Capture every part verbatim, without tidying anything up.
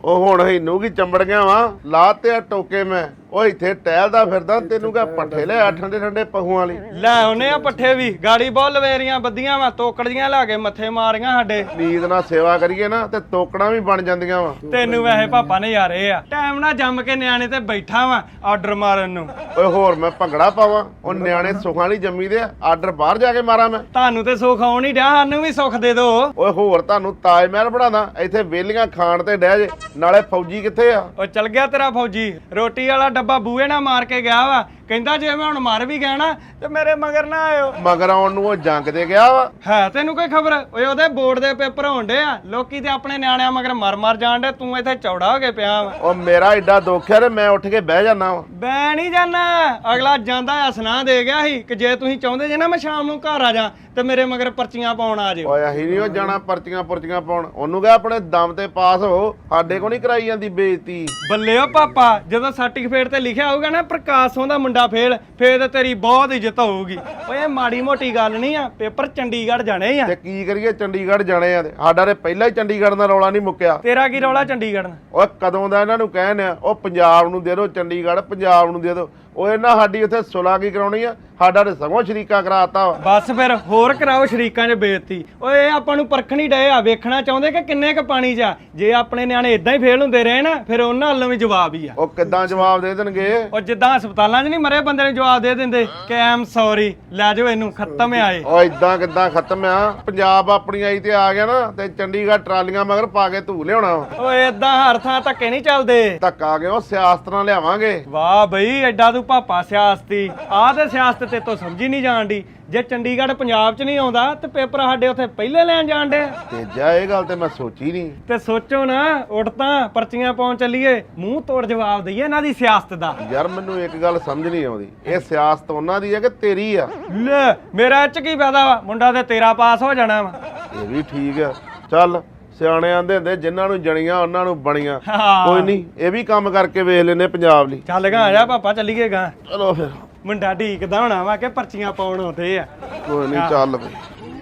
ਉਹ ਹੁਣ ਇਹਨੂੰ ਕੀ ਚੰਬੜ ਗਿਆ ਵਾ ਲਾ ਤੇ ਆ ਟੋਕੇ ਮੈਂ ਉਹ ਇੱਥੇ ਟਹਿਲਦਾ ਫਿਰਦਾ ਤੈਨੂੰ ਕਾ ਪੱਠੇ ਲੈ ਠੰਡੇ ਠੰਡੇ ਪਹੂਆਂ ਵਾਲੀ ਲੈ ਉਹਨੇ ਆ ਪੱਠੇ ਵੀ ਗਾੜੀ ਬਹੁਤ ਲਵੇਰੀਆਂ ਬੱਦੀਆਂ ਵਾ ਤੋਕੜੀਆਂ ਲਾ ਕੇ ਮੱਥੇ ਮਾਰੀਆਂ ਸਾਡੇ ਨੀਂਦ ਨਾਲ ਸੇਵਾ ਕਰੀਏ ਨਾ ਤੇ ਤੋਕੜਾਂ ਵੀ ਬਣ ਜਾਂਦੀਆਂ ਵਾ ਤੈਨੂੰ ਵੈਸੇ ਪਾਪਾ ਨੇ ਯਾਰੇ ਆ ਟਾਈਮ ਨਾਲ ਜੰਮ ਕੇ ਨਿਆਣੇ ਤੇ ਬੈਠਾ ਵਾ ਆਰਡਰ ਮਾਰਨ ਨੂੰ ਓਏ ਹੋਰ ਮੈਂ ਭੰਗੜਾ ਪਾਵਾਂ ਉਹ ਨਿਆਣੇ ਸੁੱਖਾਂ ਵਾਲੀ ਜੰਮੀ ਦੇ ਆਰਡਰ ਬਾਹਰ ਜਾ ਕੇ ਮਾਰਾਂ ਮੈਂ ਤੁਹਾਨੂੰ ਤੇ ਸੁੱਖ ਆਉਣ ਹੀ ਡਿਆ ਸਾਨੂੰ ਵੀ ਸੁੱਖ ਦੇ ਦੋ ਓਏ ਹੋਰ ਤੁਹਾਨੂੰ ਤਾਜ ਮਹਿਲ ਬਣਾਦਾ ਇੱਥੇ ਵੇਲੀਆਂ ਖਾਣ ਤੇ ਡਹਿ ਜੇ ਨਾਲੇ ਫੌਜੀ ਕਿੱਥੇ ਆ ਉਹ ਚਲ ਗਿਆ ਤੇਰਾ ਫੌਜੀ ਰੋਟੀ ਵਾਲਾ ਡੱਬਾ ਬੂਹੇ ਨਾਲ ਮਾਰ ਕੇ ਗਿਆ ਵਾ ਕਹਿੰਦਾ ਜੇ ਮੈਂ ਹੁਣ ਮਰ ਵੀ ਗਿਆ ਨਾ ਤੇ ਮੇਰੇ ਮਗਰ ਨਾ ਆਇਓ ਮਗਰ ਆਉਣ ਨੂੰ ਉਹ ਜੰਗ ਤੇ ਗਿਆ ਵਾ ਹੈ ਤੈਨੂੰ ਕੋਈ ਖਬਰ ਓਏ ਉਹਦੇ ਬੋਰਡ ਦੇ ਪੇਪਰ ਹੋਣਦੇ ਆ ਲੋਕੀ ਤੇ ਆਪਣੇ ਨਿਆਣਿਆਂ ਮਗਰ ਮਰ ਮਰ ਜਾਣ ਡੇ ਤੂੰ ਇੱਥੇ ਚੌੜਾ ਹੋ ਕੇ ਪਿਆ ਵਾ ਉਹ ਮੇਰਾ ਏਡਾ ਦੁੱਖ ਹੈ ਤੇ ਮੈਂ ਉੱਠ ਕੇ ਬਹਿ ਜਾਣਾ ਵਾ ਬੈ ਨਹੀਂ ਜਾਣਾ ਅਗਲਾ ਜਾਂਦਾ ਆ ਸੁਨਾਹ ਦੇ ਗਿਆ ਸੀ ਕਿ ਜੇ ਤੁਸੀਂ ਚਾਹੁੰਦੇ ਜੇ ਨਾ ਮੈਂ ਸ਼ਾਮ ਨੂੰ ਘਰ ਆ ਜਾ ਤੇ ਮੇਰੇ ਮਗਰ ਪਰਚੀਆਂ ਪਾਉਣ ਆ ਜਿਓ ਓਏ ਅਸੀਂ ਨਹੀਂ ਉਹ ਜਾਣਾ ਪਰਚੀਆਂ ਪੁਰਚੀਆਂ ਪਾਉਣ ਉਹਨੂੰ ਕਹੇ ਆਪਣੇ ਦਮ ਤੇ ਪਾਸ ਹੋ ਸਾਡੇ ਕੋ ਨਹੀਂ ਕਰਾਈ ਜਾਂਦੀ ਬੇਇੱਜ਼ਤੀ ਬੱਲੇ ਓ ਪਾਪਾ ਜਦੋਂ ਸਰਟੀਫਿਕੇਟ ਤੇ ਲਿਖਿਆ ਹੋਊਗਾ ਨਾ ਪ੍ਰਕਾਸ਼ ਸਿੰਘ ਦਾ ਮੁੰਡਾ ਫੇਲ ਫੇਰ ਤੇ ਤੇਰੀ ਬਹੁਤ ਇੱਜ਼ਤ ਹੋਊਗੀ ਓਏ ਮਾੜੀ ਮੋਟੀ ਗੱਲ ਨਹੀਂ ਆ ਪੇਪਰ ਚੰਡੀਗੜ੍ਹ ਜਾਣੇ ਆ ਤੇ ਕੀ ਕਰੀਏ ਚੰਡੀਗੜ੍ਹ ਜਾਣੇ ਆ ਤੇ ਸਾਡਾ ਤੇ ਪਹਿਲਾਂ ਹੀ ਚੰਡੀਗੜ੍ਹ ਦਾ ਰੌਲਾ ਨਹੀਂ ਮੁੱਕਿਆ ਤੇਰਾ ਕੀ ਰੌਲਾ ਚੰਡੀਗੜ੍ਹ ਨਾਲ ਓਏ ਕਦੋਂ ਦਾ ਇਹਨਾਂ ਨੂੰ ਕਹਿਣ ਆ ਉਹ ਪੰਜਾਬ ਨੂੰ ਦੇ ਦਿਓ ਚੰਡੀਗੜ੍ਹ ਪੰਜਾਬ ਨੂੰ ਦੇ ਦਿਓ ਉਹ ਇਹਨਾਂ ਸਾਡੀ ਉੱਥੇ ਸੁਲਾ ਕੀ ਕਰਾਉਣੀ ਆ ਸਾਡਾ ਤੇ ਸਗੋਂ ਸ਼ਰੀਕਾ ਕਰਾਤਾ ਵਾ ਬਸ ਫਿਰ ਹੋਰ ਕਰਾਓ ਸ਼ਰੀਕਾਂ 'ਚ ਬੇਇੱਜ਼ਤੀ ਓਏ ਇਹ ਆਪਾਂ ਨੂੰ ਪਰਖਣੀ ਡਏ ਆ ਵੇਖਣਾ ਚਾਹੁੰਦੇ ਕਿ ਕਿੰਨੇ ਕ ਪਾਣੀ 'ਚ ਆ ਜੇ ਆਪਣੇ ਨਿਆਣੇ ਇਦਾਂ ਹੀ ਫੇਲ ਹੁੰਦੇ ਰਹੇ ਨਾ ਫਿਰ ਉਹਨਾਂ ਵੱਲੋਂ ਵੀ ਜਵਾਬ ਹੀ ਆ ਉਹ ਕਿੱਦਾਂ ਜਵਾਬ ਦੇ ਦੇਣਗੇ ਉਹ ਜਿੱਦਾਂ ਹਸਪਤਾਲਾਂ 'ਚ ਨਹੀਂ ਮਰੇ ਬੰਦੇ ਨੂੰ ਜਵਾਬ ਦੇ ਦਿੰਦੇ ਕਿ ਆਮ ਸੌਰੀ ਲੈ ਜਾਓ ਇਹਨੂੰ ਖਤਮ ਆ ਇਹ ਉਹ ਇਦਾਂ ਕਿੱਦਾਂ ਖਤਮ ਆ ਪੰਜਾਬ ਆਪਣੀ ਆਈ ਤੇ ਆ ਗਿਆ ਨਾ ਤੇ ਚੰਡੀਗੜ੍ਹ ਟਰਾਲੀਆਂ ਮਗਰ ਪਾ ਕੇ ਧੂ ਲਿਆਉਣਾ ਵਾ। ਓਏ ਇਦਾਂ ਹਰ ਥਾਂ ਧੱਕੇ ਨਹੀਂ ਚੱਲਦੇ ਧੱਕਾ ਕੇ ਉਹ ਸਿਆਸਤ ਨਾਲ ਲਿਆਵਾਂਗੇ ਵਾਹ ਬਈ ਐਡਾ ਤੂੰ ਪਾਪਾ ਸਿਆਸਤੀ ਆਹ ਤੇ ਸਿਆਸਤ ਤੇ ਤੋਂ ਸਮਝੀ ਨਹੀਂ ਜਾਣਦੀ ਜੇ ਚੰਡੀਗੜ੍ਹ ਪੰਜਾਬ 'ਚ ਨਹੀਂ ਆਉਂਦਾ ਤੇ ਪੇਪਰ ਸਾਡੇ ਉੱਥੇ ਪਹਿਲੇ ਲੈਣ ਜਾਣ ਡੇ ਤੇ ਜਾ ਇਹ ਗੱਲ ਤੇ ਮੈਂ ਸੋਚੀ ਨਹੀਂ ਤੇ ਸੋਚੋ ਨਾ ਉੱਠ ਤਾਂ ਪਰਚੀਆਂ ਪਾਉਣ ਚੱਲੀਏ ਮੂੰਹ ਤੋੜ ਜਵਾਬ ਦਈਏ ਇਹਨਾਂ ਦੀ ਸਿਆਸਤ ਦਾ ਯਾਰ ਮੈਨੂੰ ਇੱਕ ਗੱਲ ਸਮਝ ਨਹੀਂ ਆਉਂਦੀ ਇਹ ਸਿਆਸਤ ਉਹਨਾਂ ਦੀ ਹੈ ਕਿ ਤੇਰੀ ਆ ਲੈ ਮੇਰਾ ਇਹ 'ਚ ਕੀ ਫਾਇਦਾ ਵਾ ਮੁੰਡਾ ਤੇ ਤੇਰਾ ਪਾਸ ਹੋ ਜਾਣਾ ਵਾ ਇਹ ਵੀ ਠੀਕ ਆ ਚੱਲ ਸਿਆਣੇ ਆਂਦੇ ਹੁੰਦੇ ਜਿਨ੍ਹਾਂ ਨੂੰ ਜਣੀਆਂ ਉਹਨਾਂ ਨੂੰ ਬਣੀਆਂ ਹਾਂ। ਕੋਈ ਨਹੀਂ ਇਹ ਵੀ ਕੰਮ ਕਰਕੇ ਵੇਖ ਲੈਨੇ ਪੰਜਾਬ ਲਈ ਚੱਲ ਗਾ ਆ ਜਾ ਪਾਪਾ ਚੱਲੀਏ ਗਾ ਚਲੋ ਫਿਰ ਮੁੰਡਾ ਢੀਕਦਾ ਹੋਣਾ ਵਾ ਕਿ ਪਰਚੀਆਂ ਪਾਉਣ ਆਉਂਦੇ ਆ ਕੋਈ ਨਹੀਂ ਚੱਲ ਬਈ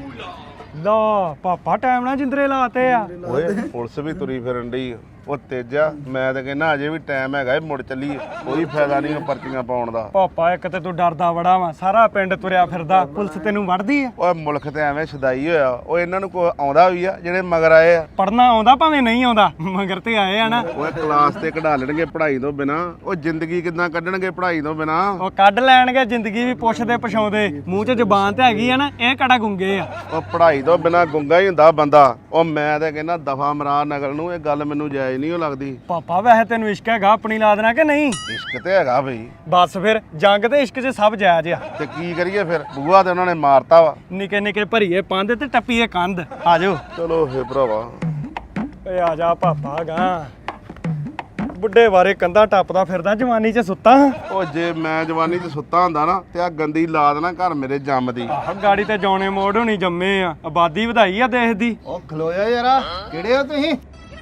ਲਾ ਪਾਪਾ ਟਾਈਮ ਨਾਲ ਜਿੰਦਰੇ ਲਾਤੇ ਆ ਓਏ ਪੁਲਿਸ ਵੀ ਤੁਰੀ ਫਿਰਨ ਡਈ ਉਹ ਤੇਜਾ ਮੈਂ ਤਾਂ ਕਹਿੰਦਾ ਅਜੇ ਵੀ ਟਾਈਮ ਹੈਗਾ ਇਹ ਮੁੜ ਚੱਲੀਏ ਕੋਈ ਫਾਇਦਾ ਨਹੀਂ ਉਹ ਪਰਚੀਆਂ ਪਾਉਣ ਦਾ ਪਾਪਾ ਇੱਕ ਤੇ ਤੂੰ ਡਰਦਾ ਬੜਾ ਵਾ ਸਾਰਾ ਪਿੰਡ ਤੁਰਿਆ ਫਿਰਦਾ ਪੁਲਿਸ ਤੈਨੂੰ ਵੜਦੀ ਆ ਓਏ ਮੁਲਕ ਤੇ ਐਵੇਂ ਛਦਾਈ ਹੋਇਆ ਉਹ ਇਹਨਾਂ ਨੂੰ ਕੋਈ ਆਉਂਦਾ ਵੀ ਆ ਜਿਹੜੇ ਮਗਰ ਆਏ ਆ ਪੜਨਾ ਆਉਂਦਾ ਭਾਵੇਂ ਨਹੀਂ ਆਉਂਦਾ ਮਗਰ ਤੇ ਆਏ ਆ ਨਾ ਓਏ ਕਲਾਸ ਤੇ ਕਢਾ ਲੈਣਗੇ ਪੜ੍ਹਾਈ ਤੋਂ ਬਿਨਾ ਉਹ ਜ਼ਿੰਦਗੀ ਕਿੱਦਾਂ ਕੱਢਣਗੇ ਪੜ੍ਹਾਈ ਤੋਂ ਬਿਨਾ ਉਹ ਕੱਢ ਲੈਣਗੇ ਜ਼ਿੰਦਗੀ ਵੀ ਪੁੱਛਦੇ ਪਛਾਉਂਦੇ ਮੂੰਹ 'ਚ ਜ਼ਬਾਨ ਤੇ ਹੈਗੀ ਆ ਨਾ ਇਹ ਕੜਾ ਗੁੰਗੇ ਆ ਉਹ ਪੜ੍ਹਾਈ ਤੋਂ ਬਿਨਾ ਗੁੰਗਾ ਹੀ ਹੁੰਦਾ ਬੰਦਾ ਉਹ ਮੈਂ ਤਾਂ ਕਹਿੰਦਾ ਦਫਾ ਮਰਾ ਨਗਲ ਨੂੰ ਇਹ ਗੱਲ ਮੈਨੂੰ ਜਾਇਜ਼ ਨਹੀਂ ਉਹ ਲੱਗਦੀ ਪਾਪਾ ਵੈਸੇ ਤੈਨੂੰ ਇਸ਼ਕ ਹੈਗਾ ਆਪਣੀ ਲਾ ਦੇਣਾ ਕਿ ਨਹੀਂ ਇਸ਼ਕ ਤੇ ਹੈਗਾ ਬਈ ਬਸ ਫਿਰ ਜੰਗ ਤੇ ਇਸ਼ਕ 'ਚ ਸਭ ਜਾਇਜ਼ ਆ ਤੇ ਕੀ ਕਰੀਏ ਫਿਰ ਬੂਆ ਤੇ ਉਹਨਾਂ ਨੇ ਮਾਰਤਾ ਵਾ ਨਿੱਕੇ ਨਿੱਕੇ ਭਰੀਏ ਪੰਧ ਤੇ ਟੱਪੀਏ ਕੰਧ ਆ ਜਾਓ ਚਲੋ ਫੇ ਭਰਾਵਾ ਓਏ ਆ ਜਾ ਪਾਪਾ ਗਾ ਬੁੱਢੇ ਬਾਰੇ ਕੰਧਾਂ ਟੱਪਦਾ ਫਿਰਦਾ ਜਵਾਨੀ 'ਚ ਸੁੱਤਾ ਉਹ ਜੇ ਮੈਂ ਜਵਾਨੀ 'ਚ ਸੁੱਤਾ ਹੁੰਦਾ ਨਾ ਤੇ ਆ ਗੰਦੀ ਲਾਦ ਨਾ ਘਰ ਮੇਰੇ ਜੰਮਦੀ ਆਹ ਗਾੜੀ ਤੇ ਜੌਣੇ ਮੋੜ ਹੋਣੀ ਜੰਮੇ ਆ ਆਬਾਦੀ ਵਧਾਈ ਆ ਦੇਸ਼ ਦੀ ਉਹ ਖਲੋਇਆ ਯਾਰਾ ਕਿਹੜੇ ਹੋ ਤੁਸੀਂ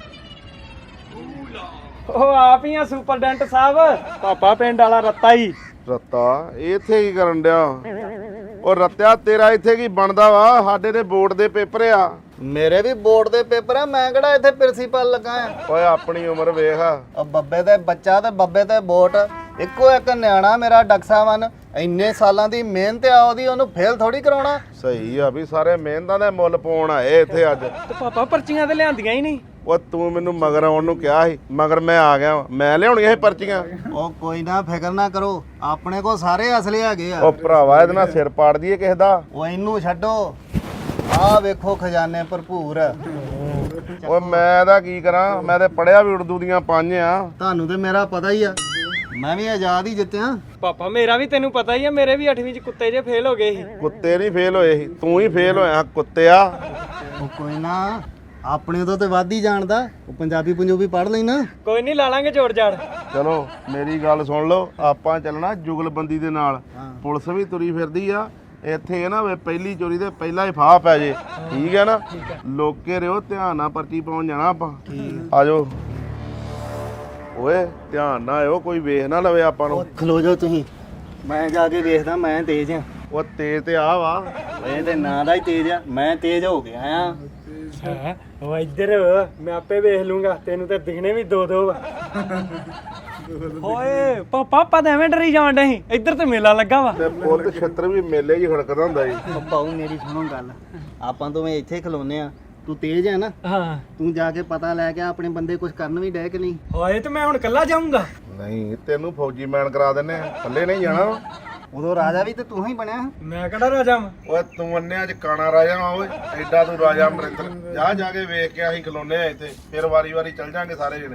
ਉਹ ਆਪ ਹੀ ਆ ਸੁਪਰਡੈਂਟ ਸਾਹਿਬ ਪਾਪਾ ਪਿੰਡ ਵਾਲਾ ਰੱਤਾ ਹੀ ਰੱਤਾ ਇਹ ਇੱਥੇ ਕੀ ਕਰਨ ਡਿਆ ਉਹ ਰੱਤਿਆ ਤੇਰਾ ਇੱਥੇ ਕੀ ਬਣਦਾ ਵਾ ਸਾਡੇ ਤੇ ਬੋਰਡ ਦੇ ਪੇਪਰ ਆ ਮੇਰੇ ਵੀ ਬੋਰਡ ਦੇ ਪੇਪਰ ਆ ਮੈਂ ਕਿਹੜਾ ਇੱਥੇ ਪ੍ਰਿੰਸੀਪਲ ਲੱਗਾ ਆ ਓਏ ਆਪਣੀ ਉਮਰ ਵੇਖ ਉਹ ਬੱਬੇ ਤੇ ਬੱਚਾ ਤੇ ਬੱਬੇ ਤੇ ਵੋਟ ਇੱਕੋ ਇੱਕ ਨਿਆਣਾ ਮੇਰਾ ਡਕਸਾ ਵਨ ਇੰਨੇ ਸਾਲਾਂ ਦੀ ਮਿਹਨਤ ਆ ਉਹਦੀ ਉਹਨੂੰ ਫੇਲ ਥੋੜੀ ਕਰਾਉਣਾ ਸਹੀ ਆ ਵੀ ਸਾਰੇ ਮਿਹਨਤਾਂ ਦੇ ਮੁੱਲ ਪਾਉਣ ਆਏ ਇੱਥੇ ਅੱਜ ਤੇ ਪਾਪਾ ਪਰਚੀਆਂ ਤੇ ਲਿਆਂਦੀਆਂ ਹੀ ਨਹੀਂ ਉਹ ਤੂੰ ਮੈਨੂੰ ਮਗਰ ਆਉਣ ਨੂੰ ਕਿਹਾ ਸੀ ਮਗਰ ਮੈਂ ਆ ਗਿਆ ਵਾਂ। ਮੈਂ ਲਿਆਉਣੀਆਂ ਇਹ ਪਰਚੀਆਂ ਉਹ ਕੋਈ ਨਾ ਫਿਕਰ ਨਾ ਕਰੋ ਆਪਣੇ ਕੋਲ ਸਾਰੇ ਅਸਲੇ ਹੈਗੇ ਆ ਉਹ ਭਰਾਵਾ ਇਹਦੇ ਨਾਲ ਸਿਰ ਪਾੜ ਦਈਏ ਕਿਸੇ ਦਾ ਉਹ ਇਹਨੂੰ ਛੱਡੋ ਆਹ ਵੇਖੋ ਖਜ਼ਾਨੇ ਭਰਪੂਰ ਓਏ ਮੈਂ ਦਾ ਕੀ ਕਰਾਂ ਮੈਂ ਤੇ ਪੜਿਆ ਵੀ ਉਰਦੂ ਦੀਆਂ ਪੰਜ ਆ ਤੁਹਾਨੂੰ ਤੇ ਮੇਰਾ ਪਤਾ ਹੀ ਆ ਮੈਂ ਵੀ ਆਜ਼ਾਦ ਹੀ ਜਿੱਤਿਆ ਪਾਪਾ ਮੇਰਾ ਵੀ ਤੈਨੂੰ ਪਤਾ ਹੀ ਆ ਮੇਰੇ ਵੀ ਅੱਠਵੀਂ 'ਚ ਕੁੱਤੇ ਜੇ ਫੇਲ ਹੋ ਗਏ ਸੀ ਕੁੱਤੇ ਨਹੀਂ ਫੇਲ ਹੋਏ ਸੀ ਤੂੰ ਹੀ ਫੇਲ ਹੋਇਆ ਕੁੱਤਿਆ ਉਹ ਕੋਈ ਨਾ ਆਪਣੇ ਤੋਂ ਤੇ ਵੱਧ ਹੀ ਜਾਣਦਾ ਉਹ ਪੰਜਾਬੀ ਪੰਜਾਬੀ ਪੜ੍ਹ ਲੈਣਾ ਕੋਈ ਨਹੀਂ ਲਾ ਲਾਂਗੇ ਜੋੜ ਜਾੜ ਚਲੋ ਮੇਰੀ ਗੱਲ ਸੁਣ ਲਓ ਆਪਾਂ ਚੱਲਣਾ ਜੁਗਲਬੰਦੀ ਦੇ ਨਾਲ ਪੁਲਿਸ ਵੀ ਤੁਰੀ ਫਿਰਦੀ ਆ ਇੱਥੇ ਨਾ ਵੇ ਪਹਿਲੀ ਚੋਰੀ ਦੇ ਪਹਿਲਾਂ ਹੀ ਫਾਹ ਪੈ ਜੇ ਠੀਕ ਹੈ ਨਾ ਲੋਕੇ ਰਿਓ ਧਿਆਨ ਨਾਲ ਪਰਚੀ ਪਾਉਣ ਜਾਣਾ ਆਪਾਂ ਆ ਜਾਓ ਓਏ ਧਿਆਨ ਨਾਲ ਆਇਓ ਕੋਈ ਵੇਖ ਨਾ ਲਵੇ ਆਪਾਂ ਨੂੰ ਖਲੋ ਜਾਓ ਤੁਸੀਂ ਮੈਂ ਜਾ ਕੇ ਵੇਖਦਾ ਮੈਂ ਤੇਜ਼ ਆ ਉਹ ਤੇਜ਼ ਤੇ ਆ ਵਾ ਇਹ ਤੇ ਨਾਂ ਦਾ ਹੀ ਤੇਜ਼ ਆ ਮੈਂ ਤੇਜ਼ ਹੋ ਗਿਆ ਆ ਹੈ ਉਹ ਇੱਧਰ ਮੈਂ ਆਪੇ ਵੇਖ ਲੂੰਗਾ ਤੈਨੂੰ ਤੇ ਦਿਖਣੇ ਵੀ ਦੋ ਦੋ ਓਏ ਪਾਪਾ ਪਾ ਤਾਂ ਐਵੇਂ ਡਰੀ ਜਾਣ ਡਈ ਇੱਧਰ ਤੇ ਮੇਲਾ ਲੱਗਾ ਵਾ ਤੇ ਪੁੱਤ ਛੱਤਰ ਵੀ ਮੇਲੇ ਹੀ ਖੜਕਦਾ ਹੁੰਦਾ ਜੀ। ਉਹ ਪਾਉ ਮੇਰੀ ਸੁਣੋ ਗੱਲ, ਆਪਾਂ ਦੋਵੇਂ ਇੱਥੇ ਖਲੋਨੇ ਆ, ਤੂੰ ਤੇਜ਼ ਹੈ ਨਾ, ਹਾਂ ਤੂੰ ਜਾ ਕੇ ਪਤਾ ਲੈ ਕੇ ਆਪਣੇ ਬੰਦੇ ਕੁਝ ਕਰਨ ਵੀ ਡੈ ਕਿ ਨਹੀਂ। ਓਏ ਤੇ ਮੈਂ ਹੁਣ ਕੱਲਾ ਜਾਊਂਗਾ। ਨਹੀਂ ਤੈਨੂੰ ਫੌਜੀ ਮੈਨ ਕਰਾ ਦਿੰਨੇ ਆ, ਥੱਲੇ ਨਹੀਂ ਜਾਣਾ। ਉਦੋਂ ਰਾਜਾ ਵੀ ਤੇ ਤੂੰ ਹੀ ਬਣਿਆ। ਮੈਂ ਕਿਹੜਾ ਰਾਜਾ ਵਾਂ? ਓਏ ਤੂੰ ਅੰਨਿਆਂ ਚ ਕਾਣਾ ਰਾਜਾ ਵਾ ਓਏ, ਐਡਾ ਤੂੰ ਰਾਜਾ ਅਮਰਿੰਦਰ। ਜਾ ਜਾ ਕੇ ਵੇਖ ਕੇ ਅਸੀਂ ਖਲੋਨੇ ਆ ਇੱਥੇ, ਫਿਰ ਵਾਰੀ ਵਾਰੀ ਚੱਲ ਜਾਾਂਗੇ ਸਾਰੇ ਜਣੇ।